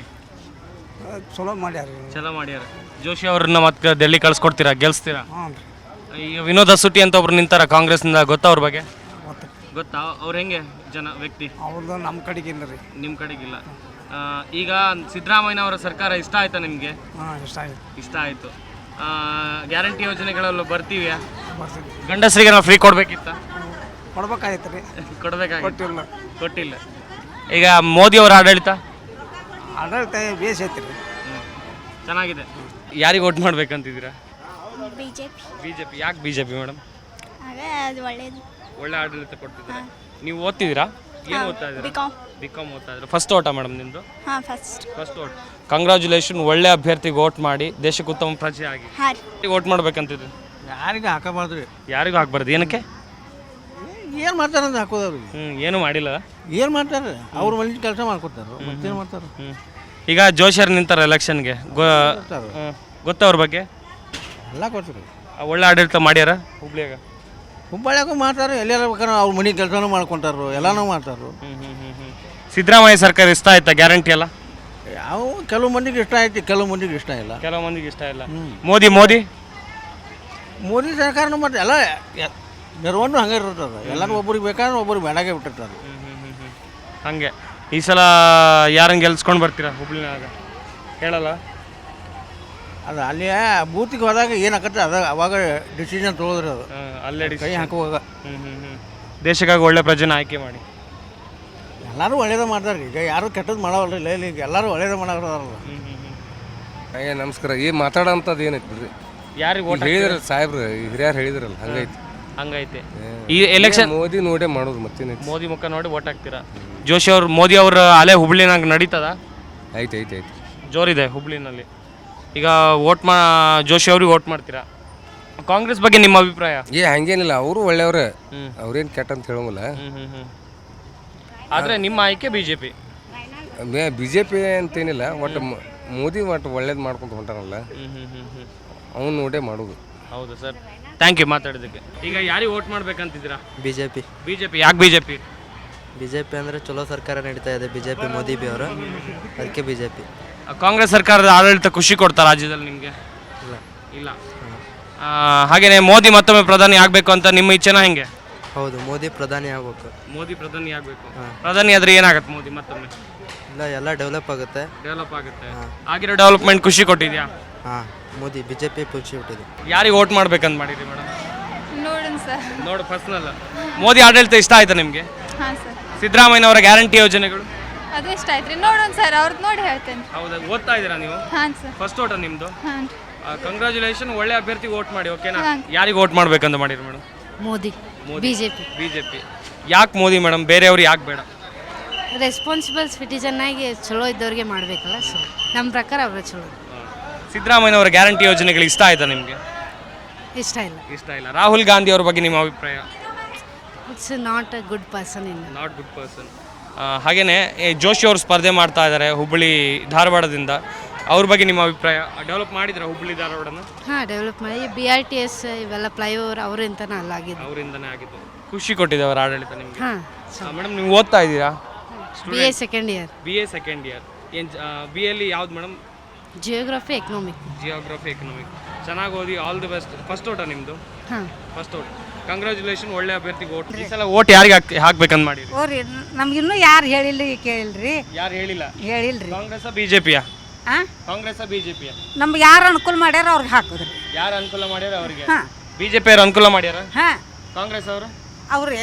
B: ಚಲೋ ಮಾಡ್ಯಾರ.
A: ಜೋಶಿ ಅವ್ರನ್ನ ಮತ್ತೆ ಡೆಲ್ಲಿ ಕಳ್ಸ್ಕೊಡ್ತೀರಾ, ಗೆಲ್ಸ್ತೀರಾ? ಈಗ ವಿನೋದ್ ಅಸೂಟಿ ಅಂತ ಒಬ್ರು ನಿಂತಾರ ಕಾಂಗ್ರೆಸ್ನಿಂದ, ಗೊತ್ತಾ ಅವ್ರ ಬಗ್ಗೆ? ಗೊತ್ತಾ? ಅವ್ರು ಹೆಂಗೆ ವ್ಯಕ್ತಿ?
B: ಅವ್ರದ್ದು ನಮ್ಮ ಕಡೆಗಿಲ್ಲ ರೀ.
A: ನಿಮ್ಮ ಕಡೆಗಿಲ್ಲ. ಈಗ ಸಿದ್ದರಾಮಯ್ಯನವರ ಸರ್ಕಾರ ಇಷ್ಟ ಆಯ್ತಾ ನಿಮಗೆ? ಇಷ್ಟ ಆಯಿತು. ಗ್ಯಾರಂಟಿ ಯೋಜನೆಗಳೆಲ್ಲ ಬರ್ತೀವ್ಯಾ? ಗಂಡಸರಿಗೆ ನಾವು ಫ್ರೀ ಕೊಡ್ಬೇಕಿತ್ತ?
B: ಕೊಡ್ಬೇಕಾಯ್ತು ರೀ.
A: ಕೊಟ್ಟಿಲ್ಲ. ಈಗ ಮೋದಿ ಅವರ ಆಡಳಿತ
B: ಬೇಸ್ ಐತಿ ರೀ,
A: ಚೆನ್ನಾಗಿದೆ. ಯಾರಿಗೆ ವೋಟ್ ಮಾಡ್ಬೇಕಂತಿದ್ದೀರಾ?
K: ಬಿಜೆಪಿ.
A: ಬಿಜೆಪಿ. ಯಾಕೆ ಬಿಜೆಪಿ ಮೇಡಮ್?
K: ಅದು ಒಳ್ಳೇದು.
A: ಒಳ್ಳೆ ಆಡಳಿತ ಕೊಡ್ತಿದ್ದಾರೆ. ನೀವು ಓದ್ತಿದ್ದೀರಾ? ಏನು ಓದ್ತಾ ಇದ್ದೀರಾ? ಬಿಕಾಮ್ ಓದ್ತಾ ಇದ್ದೀರಾ. ಫಸ್ಟ್ ಓಟಾ ಮೇಡಮ್ ನಿಮ್ಮದು?
H: ಹಾಂ ಫಸ್ಟ್.
A: First vote. ಕಂಗ್ರ್ಯಾಚುಲೇಷನ್, ಒಳ್ಳೆ ಅಭ್ಯರ್ಥಿಗೆ ವೋಟ್ ಮಾಡಿ ದೇಶಕ್ಕೆ ಉತ್ತಮ ಪ್ರಜೆ ಆಗಿ. ವೋಟ್ ಮಾಡ್ಬೇಕಂತಿದ್ರು.
B: ಯಾರಿಗೆ ಹಾಕಬಾರ್ದು ರೀ,
A: ಯಾರಿಗೂ ಹಾಕ್ಬಾರ್ದು. ಏನಕ್ಕೆ?
B: ಏನು ಮಾಡ್ತಾರೆ ಅಂತ ಹಾಕೋದವ್ರಿ.
A: ಏನು ಮಾಡಿಲ್ಲ.
B: ಏನು ಮಾಡ್ತಾರೆ? ಅವ್ರ ಮನೆ ಕೆಲಸ ಮಾಡ್ಕೊತಾರೆ, ಮತ್ತೇನು ಮಾಡ್ತಾರೆ?
A: ಈಗ ಜೋಶರ್ ನಿಂತಾರೆ ಎಲೆಕ್ಷನ್ಗೆ, ಗೊತ್ತಾ ಅವ್ರ ಬಗ್ಗೆ?
B: ಎಲ್ಲ ಕೊಡ್ತಾರೆ.
A: ಒಳ್ಳೆ ಆಡಳಿತ ಮಾಡ್ಯಾರ ಹುಬ್ಳಿಯಾಗ?
B: ಹುಬ್ಬಳ್ಳಿಯಾಗೂ ಮಾಡ್ತಾರೆ, ಎಲ್ಲಾರ ಬೇಕಾದ್ರೆ ಅವ್ರ ಮನೆ ಕೆಲಸನೂ ಮಾಡ್ಕೊಂತಾರು, ಎಲ್ಲನೂ ಮಾಡ್ತಾರೆ.
A: ಸಿದ್ದರಾಮಯ್ಯ ಸರ್ಕಾರ ಇಷ್ಟ ಆಯ್ತಾ ಗ್ಯಾರಂಟಿ ಎಲ್ಲ?
B: ಯಾವ ಕೆಲವು ಮಂದಿಗೆ ಇಷ್ಟ ಐತಿ, ಕೆಲವು ಮಂದಿಗೆ ಇಷ್ಟ ಇಲ್ಲ.
A: ಕೆಲವು ಮಂದಿಗೆ ಇಷ್ಟ ಇಲ್ಲ. ಮೋದಿ
B: ಮೋದಿ ಸರ್ಕಾರನೂ ಮತ್ತೆ ಎಲ್ಲ ನೆರವನ್ನು ಹಂಗೆ ಇರ್ತದೆ. ಎಲ್ಲರೂ ಒಬ್ರಿಗೆ ಬೇಕಾದ್ರೆ ಒಬ್ರಿಗೆ ಬೇಡಾಗೆ ಬಿಟ್ಟಿರ್ತಾರೆ.
A: ಹಂಗೆ ಈ ಸಲ ಯಾರನ್ನ ಗೆಲ್ಸ್ಕೊಂಡು ಬರ್ತೀರಾ ಹುಬ್ಳಿನಾಗ? ಹೇಳಲ್ಲ.
B: ಅದು ಅಲ್ಲಿ ಬೂತಿಗೆ ಹೋದಾಗ ಏನಾಗತ್ತೆ ಅದು ಅವಾಗ ಡಿಸಿಷನ್ ತೊಗೊಳ್ರಿ. ಅದು
A: ಅಲ್ಲೇ
B: ಕೈ ಹಾಕುವಾಗ
A: ದೇಶಕ್ಕಾಗಿ ಒಳ್ಳೆ ಪ್ರಜೆನ ಆಯ್ಕೆ ಮಾಡಿ.
B: ಎಲ್ಲರೂ ಒಳ್ಳೇದೇ ಮಾಡ್ತಾರೆ. ಈಗ ಯಾರು ಕೆಟ್ಟದ್ದು ಮಾಡವಲ್ರಿ. ಇಲ್ಲ ಈಗ ಎಲ್ಲರೂ ಒಳ್ಳೇದೇ ಮಾಡೋರಲ್ಲ.
E: ನಮಸ್ಕಾರ. ಈ ಮಾತಾಡೋಂಥದ್ದು ಏನೈತಿ ಬಿಡ್ರಿ,
A: ಯಾರಿಗೆ ವೋಟ್
E: ಹೇಳಿದ್ರ ಸಾಹೇಬ್ರು ಹಿರಿಯರು ಹೇಳಿದ್ರಲ್ಲ
A: ಹಂಗೈತೆ. ಈ ಎಲೆಕ್ಷನ್
E: ಮೋದಿ ನೋಡೇ ಮಾಡೋದು ಮತ್ತೇನೈತಿ.
A: ಮೋದಿ ಮುಖ ನೋಡಿ ವೋಟ್ ಹಾಕ್ತೀರಾ? ಜೋಶಿ ಅವ್ರು, ಮೋದಿ ಅವ್ರ ಅಲೆ ಹುಬ್ಳಿನಾಗ ನಡೀತದ?
E: ಐತೆ ಐತೆ ಐತೆ,
A: ಜೋರಿದೆ ಹುಬ್ಳಿನಲ್ಲಿ. ಈಗ ಜೋಶಿ ಅವ್ರಿಗೆ ವೋಟ್ ಮಾಡ್ತೀರಾ? ಕಾಂಗ್ರೆಸ್ ಬಗ್ಗೆ ನಿಮ್ಮ ಅಭಿಪ್ರಾಯ?
E: ಹಂಗೇನಿಲ್ಲ, ಅವರು ಒಳ್ಳೆಯವ್ರೆ, ಅವ್ರೇನು ಕೆಟ್ಟ ಅಂತ ಹೇಳೋಂಗಿಲ್ಲ.
A: ಆದರೆ ನಿಮ್ಮ ಆಯ್ಕೆ ಬಿಜೆಪಿ?
E: ಬಿಜೆಪಿ ಅಂತೇನಿಲ್ಲ, ಒಟ್ಟು ಮೋದಿ ಒಟ್ಟು ಒಳ್ಳೇದು ಮಾಡ್ಕೊಂಡು ಹೊಂಟಾನಲ್ಲ, ಅವ್ನು ನೋಡೇ ಮಾಡೋದು.
A: ಹೌದು ಸರ್, ಥ್ಯಾಂಕ್ ಯು ಮಾತಾಡೋದಕ್ಕೆ. ಈಗ ಯಾರಿಗೆ ವೋಟ್ ಮಾಡ್ಬೇಕಂತಿದ್ದೀರಾ?
D: ಬಿಜೆಪಿ.
A: ಬಿಜೆಪಿ ಯಾಕೆ ಬಿಜೆಪಿ?
D: ಬಿಜೆಪಿ ಅಂದರೆ ಚಲೋ ಸರ್ಕಾರ ನಡೀತಾ ಇದೆ, ಬಿಜೆಪಿ ಮೋದಿ ಬಿ ಅವರು, ಅದಕ್ಕೆ ಬಿಜೆಪಿ.
A: ಕಾಂಗ್ರೆಸ್ ಸರ್ಕಾರದ ಆಡಳಿತ ಖುಷಿ ಕೊಡ್ತಾ ರಾಜ್ಯದಲ್ಲಿ ನಿಮಗೆ? ಇಲ್ಲ. ಹಾಗೇನೆ ಮೋದಿ ಮತ್ತೊಮ್ಮೆ ಪ್ರಧಾನಿ ಆಗಬೇಕು ಅಂತ ನಿಮ್ಮ ಇಚ್ಛೆನ ಹೆಂಗೆ?
D: ಹೌದು, ಮೋದಿ ಪ್ರಧಾನಿ ಆಗಬೇಕು.
A: ಮೋದಿ ಪ್ರಧಾನಿ ಆಗಬೇಕು. ಪ್ರಧಾನಿ ಆದ್ರೆ ಏನಾಗುತ್ತೆ ಮೋದಿ ಮತ್ತೊಮ್ಮೆ?
D: ಇಲ್ಲ, ಎಲ್ಲ ಡೆವಲಪ್ ಆಗುತ್ತೆ.
A: ಡೆವಲಪ್ ಆಗುತ್ತೆ. ಆಗಿರೋ ಡೆವಲಪ್ಮೆಂಟ್ ಖುಷಿ ಕೊಟ್ಟಿದ್ಯಾ?
D: ಹಾಂ, ಮೋದಿ ಬಿಜೆಪಿ ಖುಷಿ ಕೊಟ್ಟಿದೆ.
A: ಯಾರಿಗೆ ವೋಟ್ ಮಾಡ್ಬೇಕಂತ ಮಾಡಿರಿ ಮೇಡಮ್?
H: ನೋಡೋಣ ಸರ್.
A: ನೋಡು ಪರ್ಸನಲ್. ಮೋದಿ ಆಡಳಿತ ಇಷ್ಟ ಆಯ್ತಾ ನಿಮಗೆ?
H: ಹಾಂ ಸರ್.
A: ಸಿದ್ದರಾಮಯ್ಯನವರ ಗ್ಯಾರಂಟಿ ಯೋಜನೆಗಳು
H: ಅದು ಇಷ್ಟ ಆಯ್ತು. ನೋಡೋಣ ಸರ್, ಅವ್ರದ್ದು ನೋಡಿ ಹೇಳ್ತೇನೆ.
A: ಹೌದಾ? ಓದ್ತಾ ಇದ್ದೀರಾ ನೀವು?
H: ಹಾಂ ಸರ್.
A: ಫಸ್ಟ್ ಓಟ ನಿಮ್ಮದು?
H: ಹಾಂ.
A: ಕಂಗ್ರ್ಯಾಚುಲೇಷನ್, ಒಳ್ಳೆ ಅಭ್ಯರ್ಥಿಗೆ ವೋಟ್ ಮಾಡಿ. ಓಕೆನಾ? ಯಾರಿಗೆ ವೋಟ್ ಮಾಡ್ಬೇಕಂತ ಮಾಡಿರಿ ಮೇಡಮ್?
H: ಮೋದಿ. ಬಿಜೆಪಿ.
A: ಬಿಜೆಪಿ. ಯಾಕೆ ಮೋದಿ ಮೇಡಮ್, ಬೇರೆಯವ್ರು ಯಾಕೆ ಬೇಡ?
H: ರೆಸ್ಪಾನ್ಸಿಬಲ್ ಸಿಟಿಜನ್ ಆಗಿ ಚಲೋ ಇದ್ದವ್ರಿಗೆ ಮಾಡಬೇಕಲ್ಲ, ಸೊ ನಮ್ಮ ಪ್ರಕಾರ ಅವರು ಚಲೋ.
A: ಸಿದ್ದರಾಮಯ್ಯನವರ ಗ್ಯಾರಂಟಿ ಯೋಜನೆಗಳು ಇಷ್ಟ ಆಯ್ತಾ ನಿಮಗೆ?
H: ಇಷ್ಟ ಇಲ್ಲ.
A: ಇಷ್ಟ ಇಲ್ಲ. ರಾಹುಲ್ ಗಾಂಧಿ ಅವ್ರ ಬಗ್ಗೆ ನಿಮ್ಮ ಅಭಿಪ್ರಾಯ?
H: It's not a good person.
A: Not good person. ಹಾಗೆಯೇ ಜೋಶಿ ಅವರು ಸ್ಪರ್ಧೆ ಮಾಡ್ತಾ ಇದ್ದಾರೆ ಹುಬ್ಬಳ್ಳಿ ಧಾರವಾಡದಿಂದ. ಅವ್ರ ಬಗ್ಗೆ ನಿಮ್ಮ ಅಭಿಪ್ರಾಯ? ಡೆವಲಪ್ ಮಾಡಿದ್ರೆ ಹುಬ್ಬಳ್ಳಿ ಧಾರವಾಡನ?
H: ಹಾಂ, ಡೆವಲಪ್ ಮಾಡಿ. BRTS ಇವೆಲ್ಲ ಫ್ಲೈಓವರ್ ಅವರಿಂದನೇ ಅಲ್ಲಾಗಿದ್ದು.
A: ಅವರಿಂದನೇ ಆಗಿದ್ದು. ಖುಷಿ ಕೊಟ್ಟಿದೆ ಅವರ ಆಡಳಿತ ನಿಮಗೆ?
H: ಹಾಂ.
A: ಮೇಡಮ್ ನೀವು ಓದ್ತಾ ಇದ್ದೀರಾ?
H: BA second year.
A: BA second year. ಏನು BA ಯಾವ್ದು madam?
H: Geography economic.
A: Geography economic. ಚೆನ್ನಾಗಿ ಓದಿ, ಆಲ್ ದಿ ಬೆಸ್ಟ್. ಫಸ್ಟ್ ಓಟ ನಿಮ್ಮದು?
H: ಹಾಂ,
A: ಫಸ್ಟ್ ಓಟ್. ಕಂಗ್ರ್ಯಾಚುಲೇಷನ್, ಒಳ್ಳೆ ಅಭ್ಯರ್ಥಿಗೆ ಓಟ್. ಈ ಸಲ ಓಟ್ ಯಾರಿಗೆ ಹಾಕ್ಬೇಕಂತ ಮಾಡಿ?
G: ಓರಿ ನಮ್ಗಿನ್ನೂ ಯಾರು ಹೇಳಿಲ್ಲ, ಕೇಳಿಲ್ರಿ.
A: ಯಾರು ಹೇಳಿಲ್ಲ?
G: ಹೇಳಿಲ್ರಿ.
A: ಕಾಂಗ್ರೆಸ್ ಬಿಜೆಪಿಯ?
G: ಹಾಂ,
A: ಕಾಂಗ್ರೆಸ್ ಬಿಜೆಪಿಯ?
G: ನಮ್ಗೆ ಯಾರು ಅನುಕೂಲ ಮಾಡ್ಯಾರ ಅವ್ರಿಗೆ ಹಾಕೋದ್ರಿ.
A: ಯಾರು ಅನುಕೂಲ ಮಾಡ್ಯಾರ ಅವ್ರಿಗೆ?
G: ಹಾಂ.
A: ಬಿಜೆಪಿ ಅವ್ರು ಅನುಕೂಲ ಮಾಡ್ಯಾರ?
G: ಹಾಂ.
A: ಕಾಂಗ್ರೆಸ್ ಅವರು
G: ಅವ್ರಿ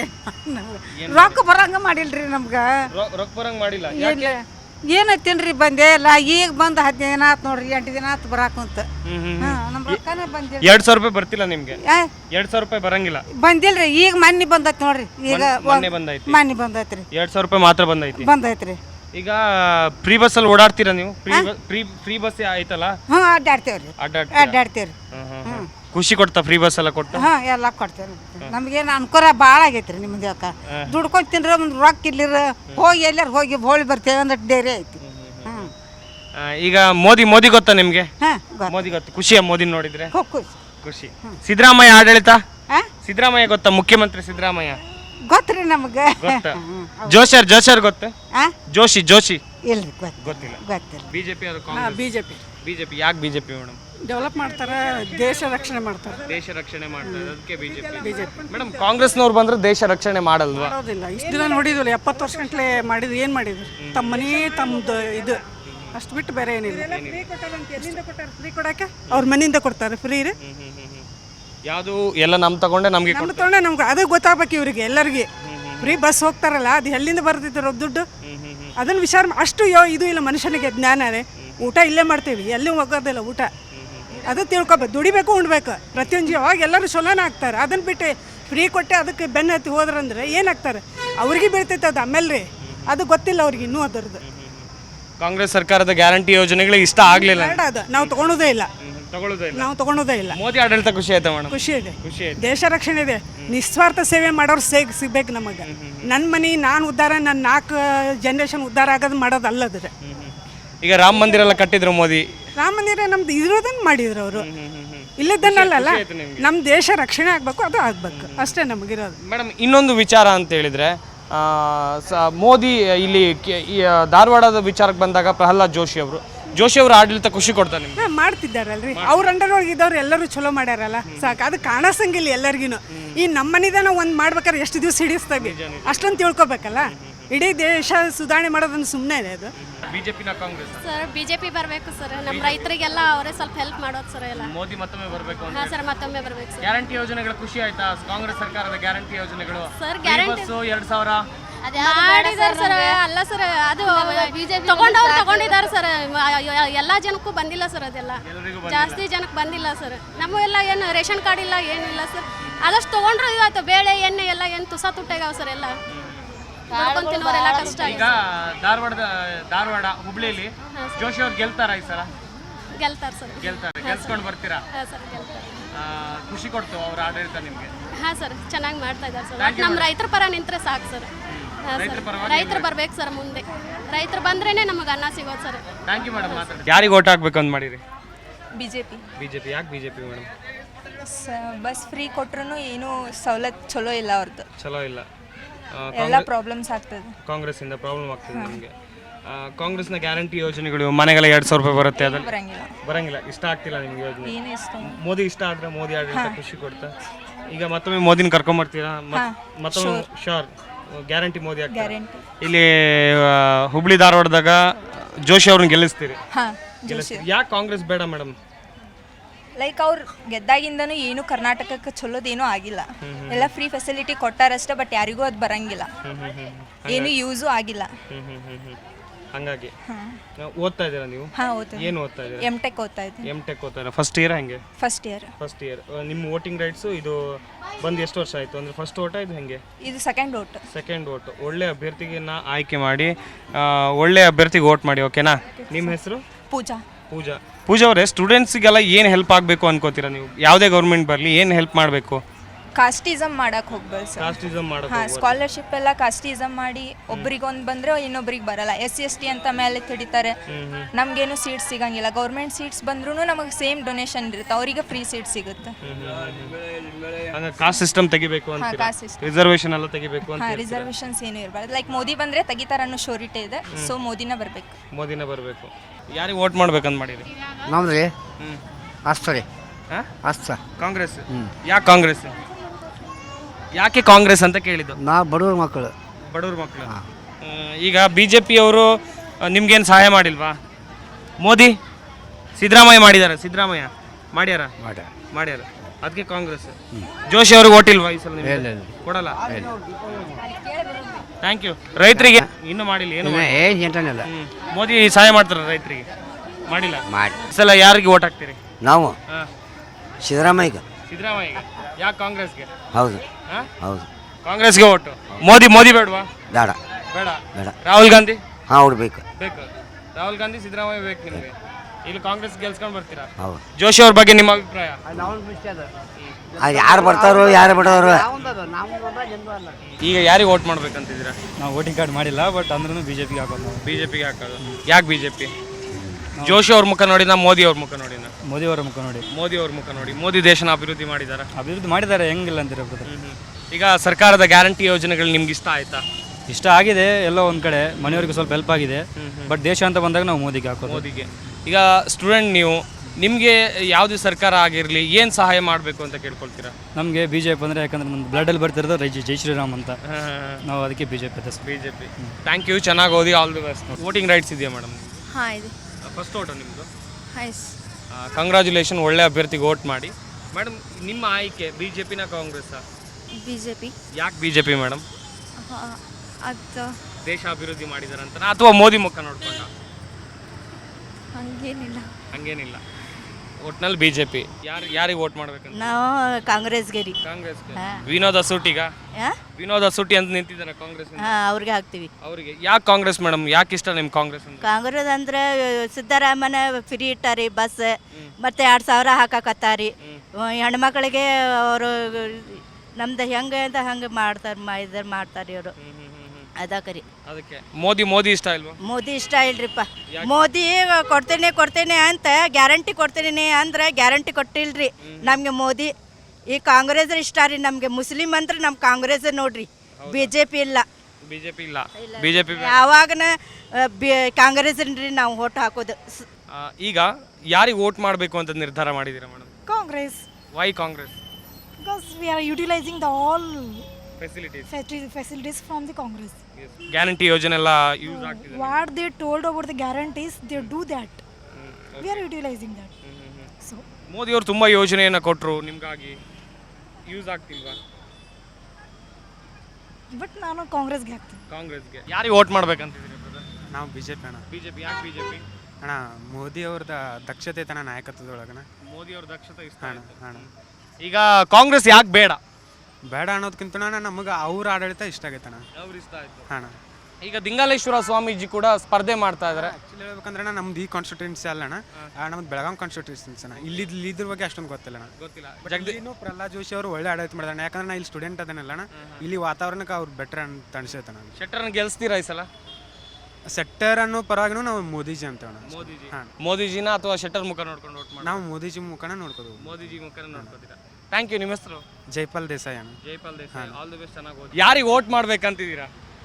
G: ರೊಕ್ಕ ಬರಂಗ ಮಾಡಿಲ್ರಿ ನಮ್ಗೆ.
A: ರೊಕ್ಕ ಬರಂಗ್ ಮಾಡಿಲ್ಲ.
G: ಇಲ್ಲ, ಏನತ್ತೀನ್ರಿ ಬಂದೇ ಇಲ್ಲ. ಈಗ ಬಂದು 15 ದಿನ ಆತು ನೋಡ್ರಿ, 8 ದಿನ ಆತು ಬರಾಕುಂತ. ನಮ್ಮ ರೊಕ್ಕನೇ ಬಂದಿಲ್ಲ.
A: 2,000 ರೂಪಾಯಿ ಬರ್ತಿಲ್ಲ ನಿಮ್ಗೆ? 2,000 ರೂಪಾಯಿ ಬರಂಗಿಲ್ಲ?
G: ಬಂದಿಲ್ರಿ, ಈಗ ಮೊನ್ನೆ ಬಂದೈತಿ ನೋಡ್ರಿ. ಈಗ
A: ಮೊನ್ನೆ ಬಂದೈತಿ.
G: ಮೊನ್ನೆ ಬಂದೈತ್ರಿ.
A: 2,000 ರೂಪಾಯಿ ಮಾತ್ರ ಬಂದೈತಿ. ಈಗ ಫ್ರೀ ಬಸ್ಸಲ್ಲಿ ಓಡಾಡ್ತೀರಾ ನೀವು? ಫ್ರೀ ಬಸ್ ಆಯ್ತಲ್ಲ?
G: ಹ್ಞೂ, ಅಡ್ಡಾಡ್ತೇವ್ರಿ. ಅಡ್ಡಾಡ್ತೇವ್ರಿ.
A: ಖುಷಿ ಕೊಡ್ತಾ ಫ್ರೀ ಬಸ್ ಎಲ್ಲ ಕೊಟ್ಟು?
G: ಹಾಂ, ಎಲ್ಲ ಕೊಡ್ತೇವೆ. ನಮ್ಗೇನು ಅನುಕೂಲ ಭಾಳ ಆಗೈತ್ರಿ ನಿಮ್ದು. ಯಾಕೆ ದುಡ್ಕೊಂಡು ತಿನ್ರಿ, ಒಂದು ರೊಕ್ಕ ಇಲ್ಲಿರ ಹೋಗಿ ಎಲ್ಲಾರು ಹೋಗಿ ಹೋಳಿ ಬರ್ತೇವೆ ಅಂದ್ರೆ ಡೇರಿ ಐತಿ. ಹಾಂ.
A: ಈಗ ಮೋದಿ ಗೊತ್ತಾ ನಿಮಗೆ?
G: ಹಾಂ,
A: ಮೋದಿ ಗೊತ್ತು. ಖುಷಿಯ ಮೋದಿ ನೋಡಿದ್ರೆ?
G: ಖುಷಿ.
A: ಸಿದ್ದರಾಮಯ್ಯ ಆಡಳಿತ? ಸಿದ್ದರಾಮಯ್ಯ ಗೊತ್ತಾ? ಮುಖ್ಯಮಂತ್ರಿ ಸಿದ್ದರಾಮಯ್ಯ
G: ಗೊತ್ತ್ರಿ ನಮಗೆ.
A: ಗೊತ್ತಾ? ಜೋಶರ್ ಗೊತ್ತ? ಜೋಶಿ
G: ಇಲ್ರಿ,
A: ಗೊತ್ತಿಲ್ಲ.
G: ಗೊತ್ತಿಲ್ಲ.
A: ಬಿಜೆಪಿ ಅದು? ಬಿಜೆಪಿ. ಯಾಕೆ ಬಿಜೆಪಿ ಮೇಡಮ್?
G: ಡೆವಲಪ್ ಮಾಡ್ತಾರೆ, ದೇಶ ರಕ್ಷಣೆ ಮಾಡ್ತಾರೆ.
A: ದೇಶ ರಕ್ಷಣೆ ಮಾಡ್ತಾರೆ, ಅದಕ್ಕೆ ಬಿಜೆಪಿ. ಮೇಡಮ್, ಕಾಂಗ್ರೆಸ್ನವ್ರು ಬಂದ್ರೆ ದೇಶ ರಕ್ಷಣೆ ಮಾಡಲ್ವಾ?
G: ಮಾಡೋದಿಲ್ಲ. ಇಷ್ಟು ದಿನ ನೋಡಿದ್ವಲ್ಲ, 70 ವರ್ಷ ಗಂಟ್ಲೆ ಮಾಡಿದ್ರು. ಏನು ಮಾಡಿದ್ರು? ತಮ್ಮ ಮನೆ ತಮ್ಮದು ಇದು ಅಷ್ಟು ಬಿಟ್ಟು ಬೇರೆ ಏನಿಲ್ಲ. ಫ್ರೀ ಕೊಡಕ್ಕೆ ಅವ್ರ ಮನೆಯಿಂದ ಕೊಡ್ತಾರೆ. ಫ್ರೀ ರೀ.
A: ಯಾವುದು ಎಲ್ಲ ನಮ್ಮ ತಗೊಂಡೆ ನಮಗೆ
G: ನಮ್ಗೆ ಅದು ಗೊತ್ತಾಗಬೇಕು ಇವ್ರಿಗೆ ಎಲ್ಲರಿಗೆ. ಫ್ರೀ ಬಸ್ ಹೋಗ್ತಾರಲ್ಲ, ಅದು ಎಲ್ಲಿಂದ ಬರ್ತಿದ್ರು ದುಡ್ಡು? ಅದನ್ನು ವಿಚಾರ ಅಷ್ಟು ಇದು ಇಲ್ಲ ಮನುಷ್ಯನಿಗೆ ಜ್ಞಾನನೇ. ಊಟ ಇಲ್ಲೇ ಮಾಡ್ತೀವಿ, ಎಲ್ಲಿ ಹೋಗೋದಿಲ್ಲ ಊಟ. ಅದು ತಿಳ್ಕೊಬೇಕು. ದುಡಿಬೇಕು, ಉಣ್ಬೇಕು. ಪ್ರತಿಯೊಂದು ಯಾವಾಗ ಎಲ್ಲರೂ ಚಲೋನ ಆಗ್ತಾರೆ. ಅದನ್ನು ಬಿಟ್ಟು ಫ್ರೀ ಕೊಟ್ಟೆ ಅದಕ್ಕೆ ಬೆನ್ನು ಹತ್ತಿ ಹೋದ್ರಂದ್ರೆ ಏನಾಗ್ತಾರೆ ಅವ್ರಿಗೆ ಬೀಳ್ತೈತೆ ಅದು ಆಮೇಲೆ ರೀ ಅದು ಗೊತ್ತಿಲ್ಲ ಅವ್ರಿಗೆ ಇನ್ನೂ ಅದರದ್ದು.
A: ಕಾಂಗ್ರೆಸ್ ಸರ್ಕಾರದ ಗ್ಯಾರಂಟಿ ಯೋಜನೆಗಳು ಇಷ್ಟ ಆಗಲಿಲ್ಲ,
G: ಬೇಡ ಅದು ನಾವು ತೊಗೊಳೋದೇ ಇಲ್ಲ, ನಾವು ತೊಗೊಳೋದೇ ಇಲ್ಲ.
A: ಮೋದಿ ಆಡಳಿತ ಖುಷಿ ಆಯ್ತಾ ಮೇಡಮ್?
G: ಖುಷಿ ಇದೆ, ದೇಶ ರಕ್ಷಣೆ ಇದೆ, ನಿಸ್ವಾರ್ಥ ಸೇವೆ ಮಾಡೋರು ಸಿಗ್ಬೇಕು ನಮಗೆ. ನನ್ನ ಮನೆ ನಾನು ಉದ್ಧಾರ, ನನ್ನ 4 ಜನ್ರೇಷನ್ ಉದ್ಧಾರ ಆಗೋದು ಮಾಡೋದಲ್ಲದ್ರೆ.
A: ಈಗ ರಾಮ ಮಂದಿರ ಎಲ್ಲ ಕಟ್ಟಿದ್ರು ಮೋದಿ.
G: ರಾಮ ಮಂದಿರ ನಮ್ದು ಇರೋದನ್ನು ಮಾಡಿದ್ರು ಅವರು, ಇಲ್ಲದನ್ನಲ್ಲ. ನಮ್ಮ ದೇಶ ರಕ್ಷಣೆ ಆಗಬೇಕು, ಅದು ಆಗಬೇಕು ಅಷ್ಟೇ ನಮಗಿರೋದು.
A: ಮೇಡಮ್ ಇನ್ನೊಂದು ವಿಚಾರ ಅಂತ ಹೇಳಿದ್ರೆ ಮೋದಿ ಇಲ್ಲಿ ಈ ಧಾರವಾಡದ ವಿಚಾರಕ್ಕೆ ಬಂದಾಗ ಪ್ರಹ್ಲಾದ್ ಜೋಶಿ ಅವರು ಆಡಳಿತ ಖುಷಿ ಕೊಡ್ತಾರೆ ನಿಮ್ಗೆ?
G: ಮಾಡ್ತಿದ್ದಾರಲ್ರಿ, ಅವ್ರ ಅಂಡರ್ ಒಳಗಿದ್ದವ್ರು ಎಲ್ಲರೂ ಚಲೋ ಮಾಡ್ಯಾರಲ್ಲ, ಸಾಕು. ಅದು ಕಾಣಿಸಂಗಿಲ್ಲ ಎಲ್ಲರಿಗೂ. ಈ ನಮ್ಮ ಮನಿದನ ಒಂದು ಮಾಡ್ಬೇಕಾದ್ರೆ ಎಷ್ಟು ದಿವಸ ಹಿಡಿಸ್ತೀವಿ ಅಷ್ಟೊಂದು ತಿಳ್ಕೊಬೇಕಲ್ಲ. ಇಡೀ ದೇಶ ಸುಧಾರಣೆ ಮಾಡೋದನ್ನು ಸುಮ್ಮನೆ ಇದೆ ಅದು.
A: ಬಿಜೆಪಿನ ಕಾಂಗ್ರೆಸ್
H: ಸರ್ ಬಿಜೆಪಿ ಬರಬೇಕು ಸರ್, ನಮ್ಮ ರೈತರಿಗೆಲ್ಲ ಅವರೇ ಸ್ವಲ್ಪ ಹೆಲ್ಪ್ ಮಾಡೋದು ಸರ್ ಎಲ್ಲ.
A: ಮೋದಿ ಮತ್ತೊಮ್ಮೆ ಬರಬೇಕು ಅಂತ.
H: ಹಾಂ ಸರ್, ಮತ್ತೊಮ್ಮೆ ಬರಬೇಕು ಸರ್.
A: ಗ್ಯಾರಂಟಿ ಯೋಜನೆಗಳು ಖುಷಿ ಆಯ್ತಾ? ಕಾಂಗ್ರೆಸ್ ಸರ್ಕಾರದ ಗ್ಯಾರಂಟಿ ಯೋಜನೆಗಳು
H: ಸರ್ ಗ್ಯಾರಂಟಿ
A: 2000
H: ಮಾಡಿದ್ದಾರೆ ಸರ್. ಅಲ್ಲ ಸರ್, ಅದು ತಗೊಂಡಿದ್ದಾರೆ ಸರ್, ಎಲ್ಲ ಜನಕ್ಕೂ ಬಂದಿಲ್ಲ ಸರ್, ಅದೆಲ್ಲ ಜಾಸ್ತಿ ಜನಕ್ಕೆ ಬಂದಿಲ್ಲ ಸರ್. ನಮಗೆಲ್ಲ ಏನು ರೇಷನ್ ಕಾರ್ಡ್ ಇಲ್ಲ, ಏನಿಲ್ಲ ಸರ್. ಆದಷ್ಟು ತೊಗೊಂಡ್ರು ಇದಾಯ್ತು, ಬೇಳೆ ಎಣ್ಣೆ ಎಲ್ಲ ಏನು ತುಸ ತುಟ್ಟಾಗ್ಯಾವ ಸರ್, ಎಲ್ಲ ತಿನ್ನೋರೆಲ್ಲ ಕಷ್ಟ.
A: ಈಗ ಧಾರವಾಡ ಹುಬ್ಳಿಲಿ ಜೋಶಿ ಅವ್ರು ಗೆಲ್ತಾರ ಈ ಸಲ?
H: ಗೆಲ್ತಾರೆ ಸರ್,
A: ಗೆಲ್ಸ್ಕೊಂಡು ಬರ್ತೀರಾ?
H: ಹಾಂ ಸರ್ ಗೆಲ್ತಾರೆ.
A: ಖುಷಿ ಕೊಡ್ತು ಅವ್ರ ಆಡಳಿತ ನಿಮಗೆ?
H: ಹಾಂ ಸರ್, ಚೆನ್ನಾಗಿ ಮಾಡ್ತಾ ಇದ್ದಾರೆ ಸರ್. ನಮ್ಮ ರೈತರ ಪರ ನಿಂತ್ರೆ ಸಾಕು ಸರ್. ಹಾಂ ಸರ್, ರೈತರು ಬರ್ಬೇಕು ಸರ್ ಮುಂದೆ. ರೈತರು ಬಂದ್ರೇನೆ ನಮಗೆ ಅನ್ನ ಸಿಗೋದು ಸರ್.
A: Thank you madam. ಯಾರಿಗೆ ಓಟ್ ಹಾಕ್ಬೇಕು ಅಂತ ಮಾಡಿರಿ?
K: ಬಿಜೆಪಿ.
A: ಯಾಕೆ ಬಿಜೆಪಿ ಮೇಡಮ್?
K: ಬಸ್ ಫ್ರೀ ಕೊಟ್ರು ಏನು ಸವಲತ್ತು ಚಲೋ ಇಲ್ಲ, ಅವ್ರದ್ದು
A: ಚಲೋ ಇಲ್ಲ,
K: ಎಲ್ಲ ಪ್ರಾಬ್ಲಮ್ಸ್ ಆಗ್ತದೆ.
A: ಕಾಂಗ್ರೆಸ್ ಇಂದ ಪ್ರಾಬ್ಲಮ್ ಆಗ್ತದೆ ನಿಮಗೆ. ಕಾಂಗ್ರೆಸ್ನ ಗ್ಯಾರಂಟಿ ಯೋಜನೆಗಳು ಮನೆಗೆಲ್ಲ 2000 ರೂಪಾಯಿ ಬರುತ್ತೆ, ಅದನ್ನ ಬರಂಗಿಲ್ಲ, ಇಷ್ಟ ಆಗ್ತಿಲ್ಲ ನಿಮ್ಗೆ ಯೋಜನೆ?
K: ಏನು ಇಷ್ಟ?
A: ಮೋದಿ ಇಷ್ಟ ಆದ್ರೆ ಮೋದಿ ಆಡಳಿತ ಖುಷಿ ಕೊಡ್ತಾ. ಈಗ ಮತ್ತೊಮ್ಮೆ ಮೋದಿನ ಕರ್ಕೊಂಬರ್ತೀರಾ? ಮತ್ತೊಮ್ಮೆ ಶೋರ್ ಗ್ಯಾರಂಟಿ ಮೋದಿ ಆಗ್ತಾರೆ. ಇಲ್ಲಿ ಹುಬ್ಳಿ ಧಾರವಾಡದಾಗ ಜೋಶಿ ಅವ್ರನ್ನ ಗೆಲ್ಲಿಸ್ತೀರಿ? ಯಾಕೆ ಕಾಂಗ್ರೆಸ್ ಬೇಡ ಮೇಡಮ್?
K: ಲೈಕ್ ಅವ್ರು ಗೆದ್ದಾಗಿಂದನೂ ಏನು ಕರ್ನಾಟಕಕ್ಕೆ ಚಲೋದೇನೂ ಆಗಿಲ್ಲ. ಎಲ್ಲ ಫ್ರೀ ಫೆಸಿಲಿಟಿ ಕೊಟ್ಟಾರಷ್ಟೇ, ಬಟ್ ಯಾರಿಗೂ ಅದು ಬರಂಗಿಲ್ಲ, ಏನು ಯೂಸು ಆಗಿಲ್ಲ.
A: ಹಂಗಾಗಿ ಓದ್ತಾ ಇದ್ದೀರಾ ನೀವು?
K: ಹಾಂ, ಓದ್ತಾ.
A: ಏನು ಓದ್ತಾ ಇದ್ದೀರಾ?
K: ಎಮ್.ಟೆಕ್ ಓದ್ತಾ ಇದ್ದೀನಿ.
A: ಎಮ್.ಟೆಕ್ ಓದ್ತಾ ಇದ್ದೀರಾ? First year? ಹೆಂಗೆ?
K: First year.
A: ನಿಮ್ಮ ವೋಟಿಂಗ್ ರೈಟ್ಸು ಇದು ಬಂದು ಎಷ್ಟು ವರ್ಷ ಆಯಿತು? ಅಂದರೆ ಫಸ್ಟ್ ಓಟ ಇದು ಹೆಂಗೆ?
K: ಇದು ಸೆಕೆಂಡ್ ಓಟ್.
A: ಒಳ್ಳೆ ಅಭ್ಯರ್ಥಿಗೆ ಆಯ್ಕೆ ಮಾಡಿ, ಒಳ್ಳೆ ಅಭ್ಯರ್ಥಿಗೆ ವೋಟ್ ಮಾಡಿ, ಓಕೆನಾ? ನಿಮ್ಮ ಹೆಸರು? ಪೂಜಾ ಅವರೇ, ಸ್ಟೂಡೆಂಟ್ಸಿಗೆಲ್ಲ ಏನು ಹೆಲ್ಪ್ ಆಗಬೇಕು ಅನ್ಕೋತೀರಾ ನೀವು? ಯಾವುದೇ ಗೌರ್ಮೆಂಟ್ ಬರಲಿ ಏನು ಹೆಲ್ಪ್ ಮಾಡಬೇಕು?
K: ಕಾಸ್ಟಿಸಮ್ ಮಾಡಕ್ಕೆ ಹೋಗ್ಬಾರ್ದು ಸರ್.
A: ಕಾಸ್ಟಿಸಮ್ ಮಾಡಕ್ಕೆ
K: ಹಾಂ, ಸ್ಕಾಲರ್ಶಿಪ್ ಎಲ್ಲ ಕಾಸ್ಟಿಸಮ್ ಮಾಡಿ ಒಬ್ರಿಗೊಂದು ಬಂದರೆ ಇನ್ನೊಬ್ರಿಗೆ ಬರಲ್ಲ. SC/ST ಅಂತ ಮೇಲೆ ಹಿಡಿತಾರೆ, ನಮಗೇನು ಸೀಟ್ಸ್ ಸಿಗಂಗಿಲ್ಲ. ಗೌರ್ಮೆಂಟ್ ಸೀಟ್ಸ್ ಬಂದ್ರೂ ನಮಗೆ ಸೇಮ್ ಡೊನೇಷನ್ ಇರುತ್ತೆ, ಅವರಿಗೆ ಫ್ರೀ ಸೀಟ್ ಸಿಗುತ್ತೆ.
A: ಕಾಸ್ಟ್ ಸಿಸ್ಟಮ್ ತೆಗಿಬೇಕು ಅಂತ,
K: ಕಾಸ್ಟ್ ಸಿಸ್ಟಮ್,
A: ರಿಸರ್ವೇಷನ್ ಎಲ್ಲ ತೆಗಿಬೇಕು ಅಂತ.
K: ಹಾಂ, ರಿಸರ್ವೇಷನ್ಸ್ ಏನು ಇರಬಾರ್ದು. ಲೈಕ್ ಮೋದಿ ಬಂದರೆ ತೆಗಿತಾರೆ ಅನ್ನೋ ಶೋರಿಟಿ ಇದೆ, ಸೊ ಮೋದಿನ ಬರಬೇಕು. ಯಾರಿಗೆ
A: ವೋಟ್ ಮಾಡ್ಬೇಕಂತ ಮಾಡಿರಿ?
B: ನಮ್ದು ರೀ ಅಷ್ಟೇ ಅಷ್ಟ
A: ಕಾಂಗ್ರೆಸ್. ಯಾಕೆ ಕಾಂಗ್ರೆಸ್? ಯಾಕೆ ಕಾಂಗ್ರೆಸ್ ಅಂತ ಕೇಳಿದ್ದು?
B: ಬಡವ್ರ ಮಕ್ಕಳು.
A: ಈಗ ಬಿಜೆಪಿ ಅವರು ನಿಮ್ಗೇನು ಸಹಾಯ ಮಾಡಿಲ್ವಾ? ಮೋದಿ ಸಿದ್ದರಾಮಯ್ಯ ಮಾಡ್ಯಾರ ಅದಕ್ಕೆ ಕಾಂಗ್ರೆಸ್. ಜೋಶಿ ಅವ್ರಿಗೆ ಓಟಿಲ್ವಾ ಈ ಸಲ? ಕೊಡಲ್ಲ. Thank you. ರೈತರಿಗೆ ಇನ್ನೂ ಮಾಡಿಲ್ಲ, ಏನು ಮೋದಿ ಸಹಾಯ ಮಾಡ್ತಾರ ರೈತರಿಗೆ? ಮಾಡಿಲ್ಲ. ಈ ಸಲ ಯಾರಿಗೆ ಓಟ್ ಹಾಕ್ತೀರಿ?
B: ನಾವು ಸಿದ್ದರಾಮಯ್ಯ.
A: ಯಾಕೆ ಕಾಂಗ್ರೆಸ್ಗೆ?
B: ಹೌದು.
A: ಕಾಂಗ್ರೆಸ್ಗೆ ಓಟು. ಮೋದಿ ಬೇಡವಾ? ಬೇಡ. ರಾಹುಲ್ ಗಾಂಧಿ?
B: ಬೇಕು.
A: ರಾಹುಲ್ ಗಾಂಧಿ, ಸಿದ್ದರಾಮಯ್ಯ ಬೇಕು ನಿಮಗೆ. ಇಲ್ಲಿ ಕಾಂಗ್ರೆಸ್ ಗೆಲ್ಸ್ಕೊಂಡು ಬರ್ತೀರಾ?
B: ಹೌದು.
A: ಜೋಶಿ ಅವ್ರ ಬಗ್ಗೆ ನಿಮ್ಮ ಅಭಿಪ್ರಾಯ?
B: ಯಾರು ಬರ್ತಾರೋ ಯಾರು ಬಿಡೋರು.
A: ಈಗ ಯಾರಿಗೆ ವೋಟ್ ಮಾಡ್ಬೇಕಂತಿದ್ದೀರಾ?
F: ನಾವು ವೋಟಿಂಗ್ ಕಾರ್ಡ್ ಮಾಡಿಲ್ಲ, ಬಟ್ ಅಂದ್ರೂ ಬಿಜೆಪಿಗೆ ಹಾಕೋದು.
A: ಬಿಜೆಪಿಗೆ ಹಾಕೋದು. ಯಾಕೆ ಬಿಜೆಪಿ? ಜೋಶಿ ಅವ್ರ ಮುಖ ನೋಡಿನ, ಮೋದಿ ಅವ್ರ ಮುಖ ನೋಡಿನ?
F: ಮೋದಿ ಅವರ ಮುಖ ನೋಡಿ. ಮೋದಿ ದೇಶನ ಅಭಿವೃದ್ಧಿ ಮಾಡಿದ್ದಾರೆ, ಹೆಂಗಿಲ್ಲ ಅಂತೀರ?
A: ಈಗ ಸರ್ಕಾರದ ಗ್ಯಾರಂಟಿ ಯೋಜನೆಗಳು ನಿಮ್ಗೆ ಇಷ್ಟ ಆಯ್ತಾ?
F: ಇಷ್ಟ ಆಗಿದೆ, ಎಲ್ಲ ಒಂದು ಕಡೆ ಮನೆಯವರಿಗೆ ಸ್ವಲ್ಪ ಹೆಲ್ಪ್ ಆಗಿದೆ, ಬಟ್ ದೇಶ ಅಂತ ಬಂದಾಗ ನಾವು ಮೋದಿಗೆ ಹಾಕೋದು.
A: ಮೋದಿಗೆ. ಈಗ ಸ್ಟೂಡೆಂಟ್ ನೀವು, ನಿಮಗೆ ಯಾವುದೇ ಸರ್ಕಾರ ಆಗಿರಲಿ ಏನು ಸಹಾಯ ಮಾಡಬೇಕು ಅಂತ ಕೇಳ್ಕೊಳ್ತೀರಾ?
F: ನಮಗೆ ಬಿಜೆಪಿ ಅಂದರೆ, ಯಾಕಂದ್ರೆ ನಮ್ಮ ಬ್ಲಡಲ್ಲಿ ಬರ್ತಿರೋದು ಜೈ ಶ್ರೀರಾಮ್ ಅಂತ, ನಾವು ಅದಕ್ಕೆ ಬಿಜೆಪಿ.
A: ಥ್ಯಾಂಕ್ ಯು, ಚೆನ್ನಾಗಿ ಓದಿ, all the best. Voting rights ಇದೆಯಾ ಮೇಡಮ್?
K: ಹಾಂ, ಇದೆ.
A: ಫಸ್ಟ್ ಓಟ ನಿಮ್ಮದು? ಕಂಗ್ರ್ಯಾಚುಲೇಷನ್, ಒಳ್ಳೆ ಅಭ್ಯರ್ಥಿಗೆ ವೋಟ್ ಮಾಡಿ. ಮೇಡಮ್ ನಿಮ್ಮ ಆಯ್ಕೆ ಬಿಜೆಪಿನ ಕಾಂಗ್ರೆಸ್?
K: ಬಿಜೆಪಿ.
A: ಯಾಕೆ ಬಿಜೆಪಿ ಮೇಡಮ್?
K: ಅದು
A: ದೇಶ ಅಭಿವೃದ್ಧಿ ಮಾಡಿದಾರಂತ, ಅಥವಾ ಮೋದಿ ಮುಖ ನೋಡ್ಕೊಂಡ?
K: ಹಂಗೇನಿಲ್ಲ.
A: ಒಟ್ನಲ್ಲಿ ಬಿಜೆಪಿ. ಯಾರಿಗೆ ವೋಟ್ ಮಾಡ್ಬೇಕಂತ?
L: ನಾವು ಕಾಂಗ್ರೆಸ್ಗೆ ರೀ.
A: ಕಾಂಗ್ರೆಸ್ಗೆ. ವಿನೋದ್ ಅಸೂಟಿಗ? ವಿನೋದ್ ಅಸೂಟಿ ಅಂತ ನಿಂತಿದ್ದಾರೆ ಕಾಂಗ್ರೆಸ್.
L: ಅವ್ರಿಗೆ ಹಾಕ್ತೀವಿ.
A: ಅವರಿಗೆ ಯಾಕೆ ಕಾಂಗ್ರೆಸ್ ಮೇಡಮ್, ಯಾಕೆ ಇಷ್ಟ ನಿಮ್ಗೆ ಕಾಂಗ್ರೆಸ್ ಅಂತ?
L: ಕಾಂಗ್ರೆಸ್ ಅಂದ್ರೆ ಸಿದ್ದರಾಮಯ್ಯ ಫ್ರೀ ಇಟ್ಟಾರಿ ಬಸ್, ಮತ್ತೆ 2,000 ಹಾಕಕತ್ತಾರಿ. ಹೆಣ್ಮಕ್ಳಿಗೆ ಅವರು ನಮ್ದು ಹೆಂಗೆ ಅಂತ ಹಂಗೆ ಮಾಡ್ತಾರೆ ಇವರು. ಅದಕ್ಕೆ
A: ಅದಕ್ಕೆ ಮೋದಿ ಇಷ್ಟ ಇಲ್ವಾ?
L: ಮೋದಿ ಇಷ್ಟ ಇಲ್ರಿಪ್ಪ. ಮೋದಿ ಕೊಡ್ತೇನೆ ಅಂತ ಗ್ಯಾರಂಟಿ ಕೊಡ್ತೇನೆ ಅಂದ್ರೆ ಗ್ಯಾರಂಟಿ ಕೊಟ್ಟಿಲ್ರಿ ನಮಗೆ ಮೋದಿ. ಈ ಕಾಂಗ್ರೆಸ್ ಇಷ್ಟ ರೀ ನಮಗೆ. ಮುಸ್ಲಿಂ ಅಂದ್ರೆ ನಮ್ಮ ಕಾಂಗ್ರೆಸ್ ನೋಡ್ರಿ, ಬಿಜೆಪಿ ಇಲ್ಲ.
A: ಬಿಜೆಪಿ
L: ಯಾವಾಗನ ಕಾಂಗ್ರೆಸ್ ರೀ ನಾವು ಓಟ್ ಹಾಕೋದು.
A: ಈಗ ಯಾರಿಗೆ ವೋಟ್ ಮಾಡಬೇಕು ಅಂತ ನಿರ್ಧಾರ ಮಾಡಿದ್ದೀರಾ madam?
G: Congress.
A: Why Congress?
G: Because we are utilizing the all
A: facilities
G: from the Congress.
A: Guarantee ಯೋಜನೆ ಎಲ್ಲ ಯೂಸ್ ಆಗ್ತಿದೆ.
G: What they told about the guarantees, they do that. We are utilizing that. So
A: Modi ಅವರು ತುಂಬಾ ಯೋಜನೆಯನ್ನು ಕೊಟ್ಟರು, ನಿಮಗಾಗಿ ಯೂಸ್ ಆಗ್ತಿಲ್ವಾ?
G: but ನಾನು ಕಾಂಗ್ರೆಸ್ಗೆ ಹಾಕ್ತೀನಿ.
A: ಕಾಂಗ್ರೆಸ್ಗೆ. ಯಾರಿಗೆ ವೋಟ್ ಮಾಡ್ಬೇಕಂತಿದ್ದೀರಿ ಬ್ರದರ್?
J: ನಾವು ಬಿಜೆಪಿ ಅಣ್ಣ.
A: ಬಿಜೆಪಿ. ಯಾಕೆ ಬಿಜೆಪಿ
J: ಅಣ್ಣ? ಮೋದಿ ಅವ್ರದ ದಕ್ಷತೆ ತನ ನಾಯಕತ್ವದೊಳಗಣ
A: ಮೋದಿ ಅವ್ರ ದಕ್ಷತೆ ಇಷ್ಟ
J: ಅಣ್ಣ. ಅಣ್ಣ
A: ಈಗ ಕಾಂಗ್ರೆಸ್ ಯಾಕೆ ಬೇಡ?
J: ಬೇಡ ಅನ್ನೋದಕ್ಕಿಂತ ನಮಗೆ ಅವ್ರ ಆಡಳಿತ ಇಷ್ಟ ಆಗೈತೆ ಅಣ್ಣ.
A: ಅವ್ರು ಇಷ್ಟ ಆಯ್ತು.
J: ಅಣ್ಣ
A: ಈಗ ದಿಂಗಾಲೇಶ್ವರ ಸ್ವಾಮೀಜಿ ಕೂಡ ಸ್ಪರ್ಧೆ ಮಾಡ್ತಾ ಇದ್ದಾರೆ.
J: ಆ್ಯಕ್ಚುಲಿ ಹೇಳ್ಬೇಕಂದ್ರೆ ನಮ್ದು ಈ ಕಾನ್ಸ್ಟಿಟ್ಯೂನ್ಸಿ ಅಲ್ಲ ಅಣ್ಣ, ನಮ್ದು ಬೆಳಗಾಂ ಕಾನ್ಸ್ಟಿಟ್ಯೂನ್ಸಿ ಅಣ್ಣ. ಇದ್ರ ಬಗ್ಗೆ ಅಷ್ಟೊಂದು ಗೊತ್ತಿಲ್ಲ ಅಣ್ಣ.
A: ಗೊತ್ತಿಲ್ಲ.
J: ಪ್ರಹ್ಲಾದ್ ಜೋಶಿ ಅವರು ಒಳ್ಳೆ ಆಡಳಿತ ಮಾಡಿದಾರೆ. ಯಾಕಂದ್ರೆ ನಾ ಇಲ್ಲಿ ಸ್ಟೂಡೆಂಟ್ ಅದನ್ನಲ್ಲ ಅಣ್ಣ, ಇಲ್ಲಿ ವಾತಾವರಣಕ್ಕೆ ಅವ್ರು ಬೆಟರ್ ಅಂತ ಅನಿಸುತ್ತೆ ಅಣ್ಣ.
A: ಶೆಟ್ಟರ್ನ ಗೆಲ್ಸ್ತೀರಾ ಈ ಸಲ?
J: ಸೆಟ್ಟರ್ ಅನ್ನೋ ಪರವಾಗಿನೂ ನಾವು ಮೋದಿಜಿ ಅಂತ ಅಣ್ಣ.
A: ಮೋದಿಜಿನ ಅಥವಾ ಶೆಟ್ಟರ್ ಮುಖ ನೋಡ್ಕೊಂಡು ವೋಟ್ ಮಾಡಿ?
J: ನಾವು ಮೋದಿಜಿ ಮುಖನ ನೋಡ್ಕೋದು.
A: ಮೋದಿಜಿ ಮುಖನ ನೋಡ್ಕೋತೀರಾ? Thank you. ನಿಮ್ಮ ಹೆಸರು?
J: ಜೈಪಾಲ್ ದೇಸಾಯಿ ಅಣ್ಣ.
A: Jaipal Desai. All the best. ಚೆನ್ನಾಗಿ ಓದಿ. ಯಾರಿಗೆ ವೋಟ್ ಮಾಡ್ಬೇಕಂತಿದ್ದೀರಾ?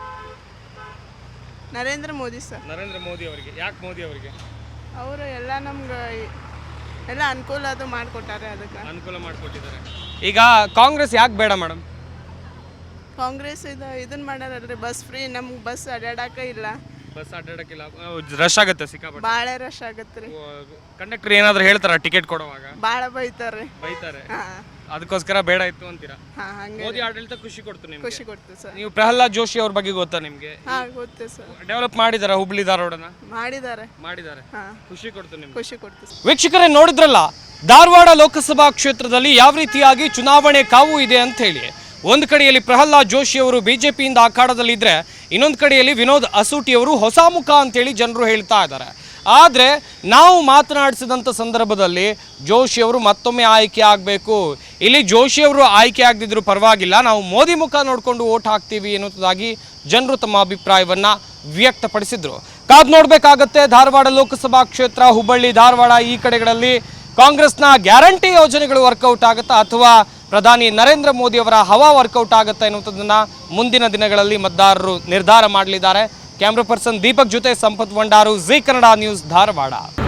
G: ನರೇಂದ್ರ ಮೋದಿ ಸರ್.
A: ನರೇಂದ್ರ ಮೋದಿ ಅವರಿಗೆ. ಯಾಕೆ ಮೋದಿ ಅವರಿಗೆ?
G: ಅವರು ಎಲ್ಲ ನಮ್ಗೆ ಎಲ್ಲ ಅನುಕೂಲ ಅದು ಮಾಡಿಕೊಟ್ಟಾರೆ, ಅದಕ್ಕೆ
A: ಅನುಕೂಲ ಮಾಡಿಕೊಟ್ಟಿದ್ದಾರೆ. ಈಗ ಕಾಂಗ್ರೆಸ್ ಯಾಕೆ ಬೇಡ ಮೇಡಮ್?
G: ಕಾಂಗ್ರೆಸ್ ಇದನ್ನ ಮಾಡ್ಯಾರಲ್ರಿ, ಬಸ್ ಫ್ರೀ. ನಮ್ಗೆ ಬಸ್ ಅಡ್ಯಾಡಕ ಇಲ್ಲ.
A: ಬಸ್ ಅಡ್ಡಾಡಕ್ಕಿಲ್ಲ, ರಶ್ ಆಗುತ್ತೆ ಸಿಕ್ಕಾಪಟ್ಟೆ.
G: ಭಾಳ ರಶ್ ಆಗತ್ತೆ ರೀ.
A: ಕಂಡಕ್ಟರ್ ಏನಾದರೂ ಹೇಳ್ತಾರ ಟಿಕೆಟ್ ಕೊಡುವಾಗ?
G: ಭಾಳ ಬೈತಾರೆ.
A: ಅದಕ್ಕೋಸ್ಕರ ಬೇಡ ಇತ್ತು ಅಂತೀರಾ?
G: ಹಂಗೆ
A: ಮೋದಿ ಆಡಳಿತ ಖುಷಿ ಕೊಡ್ತು ನಿಮ್ಗೆ?
G: ಖುಷಿ ಕೊಡ್ತೀವಿ ಸರ್.
A: ನೀವು ಪ್ರಹ್ಲಾದ್ ಜೋಶಿ ಅವ್ರ ಬಗ್ಗೆ ಗೊತ್ತಾ ನಿಮಗೆ?
G: ಗೊತ್ತು ಸರ್.
A: ಡೆವಲಪ್ ಮಾಡಿದಾರ ಹುಬ್ಳಿ ಧಾರವಾಡನ?
G: ಮಾಡಿದ್ದಾರೆ.
A: ಖುಷಿ ಕೊಡ್ತು ನಿಮ್ಗೆ?
G: ಖುಷಿ ಕೊಡ್ತೀವಿ.
A: ವೀಕ್ಷಕರೇ ನೋಡಿದ್ರಲ್ಲ, ಧಾರವಾಡ ಲೋಕಸಭಾ ಕ್ಷೇತ್ರದಲ್ಲಿ ಯಾವ ರೀತಿಯಾಗಿ ಚುನಾವಣೆ ಕಾವು ಇದೆ ಅಂತ ಹೇಳಿ. ಒಂದು ಕಡೆಯಲ್ಲಿ ಪ್ರಹ್ಲಾದ್ ಜೋಶಿ ಅವರು ಬಿಜೆಪಿಯಿಂದ ಅಖಾಡದಲ್ಲಿದ್ದರೆ, ಇನ್ನೊಂದು ಕಡೆಯಲ್ಲಿ ವಿನೋದ್ ಅಸೂಟಿ ಅವರು ಹೊಸ ಮುಖ ಅಂತೇಳಿ ಜನರು ಹೇಳ್ತಾ ಇದ್ದಾರೆ. ಆದರೆ ನಾವು ಮಾತನಾಡಿಸಿದಂಥ ಸಂದರ್ಭದಲ್ಲಿ ಜೋಶಿ ಅವರು ಮತ್ತೊಮ್ಮೆ ಆಯ್ಕೆ ಆಗಬೇಕು, ಇಲ್ಲಿ ಜೋಶಿ ಅವರು ಆಯ್ಕೆ ಆಗದಿದ್ದರೂ ಪರವಾಗಿಲ್ಲ, ನಾವು ಮೋದಿ ಮುಖ ನೋಡಿಕೊಂಡು ವೋಟ್ ಹಾಕ್ತೀವಿ ಎನ್ನುವುದಾಗಿ ಜನರು ತಮ್ಮ ಅಭಿಪ್ರಾಯವನ್ನು ವ್ಯಕ್ತಪಡಿಸಿದರು. ಕಾದು ನೋಡಬೇಕಾಗತ್ತೆ. ಧಾರವಾಡ ಲೋಕಸಭಾ ಕ್ಷೇತ್ರ, ಹುಬ್ಬಳ್ಳಿ, ಧಾರವಾಡ ಈ ಕಡೆಗಳಲ್ಲಿ ಕಾಂಗ್ರೆಸ್ನ ಗ್ಯಾರಂಟಿ ಯೋಜನೆಗಳು ವರ್ಕೌಟ್ ಆಗುತ್ತಾ ಅಥವಾ ಪ್ರಧಾನಿ ನರೇಂದ್ರ ಮೋದಿ ಅವರ ಹವಾ ವರ್ಕೌಟ್ ಆಗುತ್ತಾ ಎನ್ನುವುದನ್ನು ಮುಂದಿನ ದಿನಗಳಲ್ಲಿ ಮತದಾರರು ನಿರ್ಧಾರ ಮಾಡಲಿದ್ದಾರೆ. ಕ್ಯಾಮ್ರಾ ಪರ್ಸನ್ ದೀಪಕ್ ಜೊತೆ ಸಂಪತ್ ವಂಡಾರು, ಜೀ ಕನ್ನಡ ನ್ಯೂಸ್, ಧಾರವಾಡ.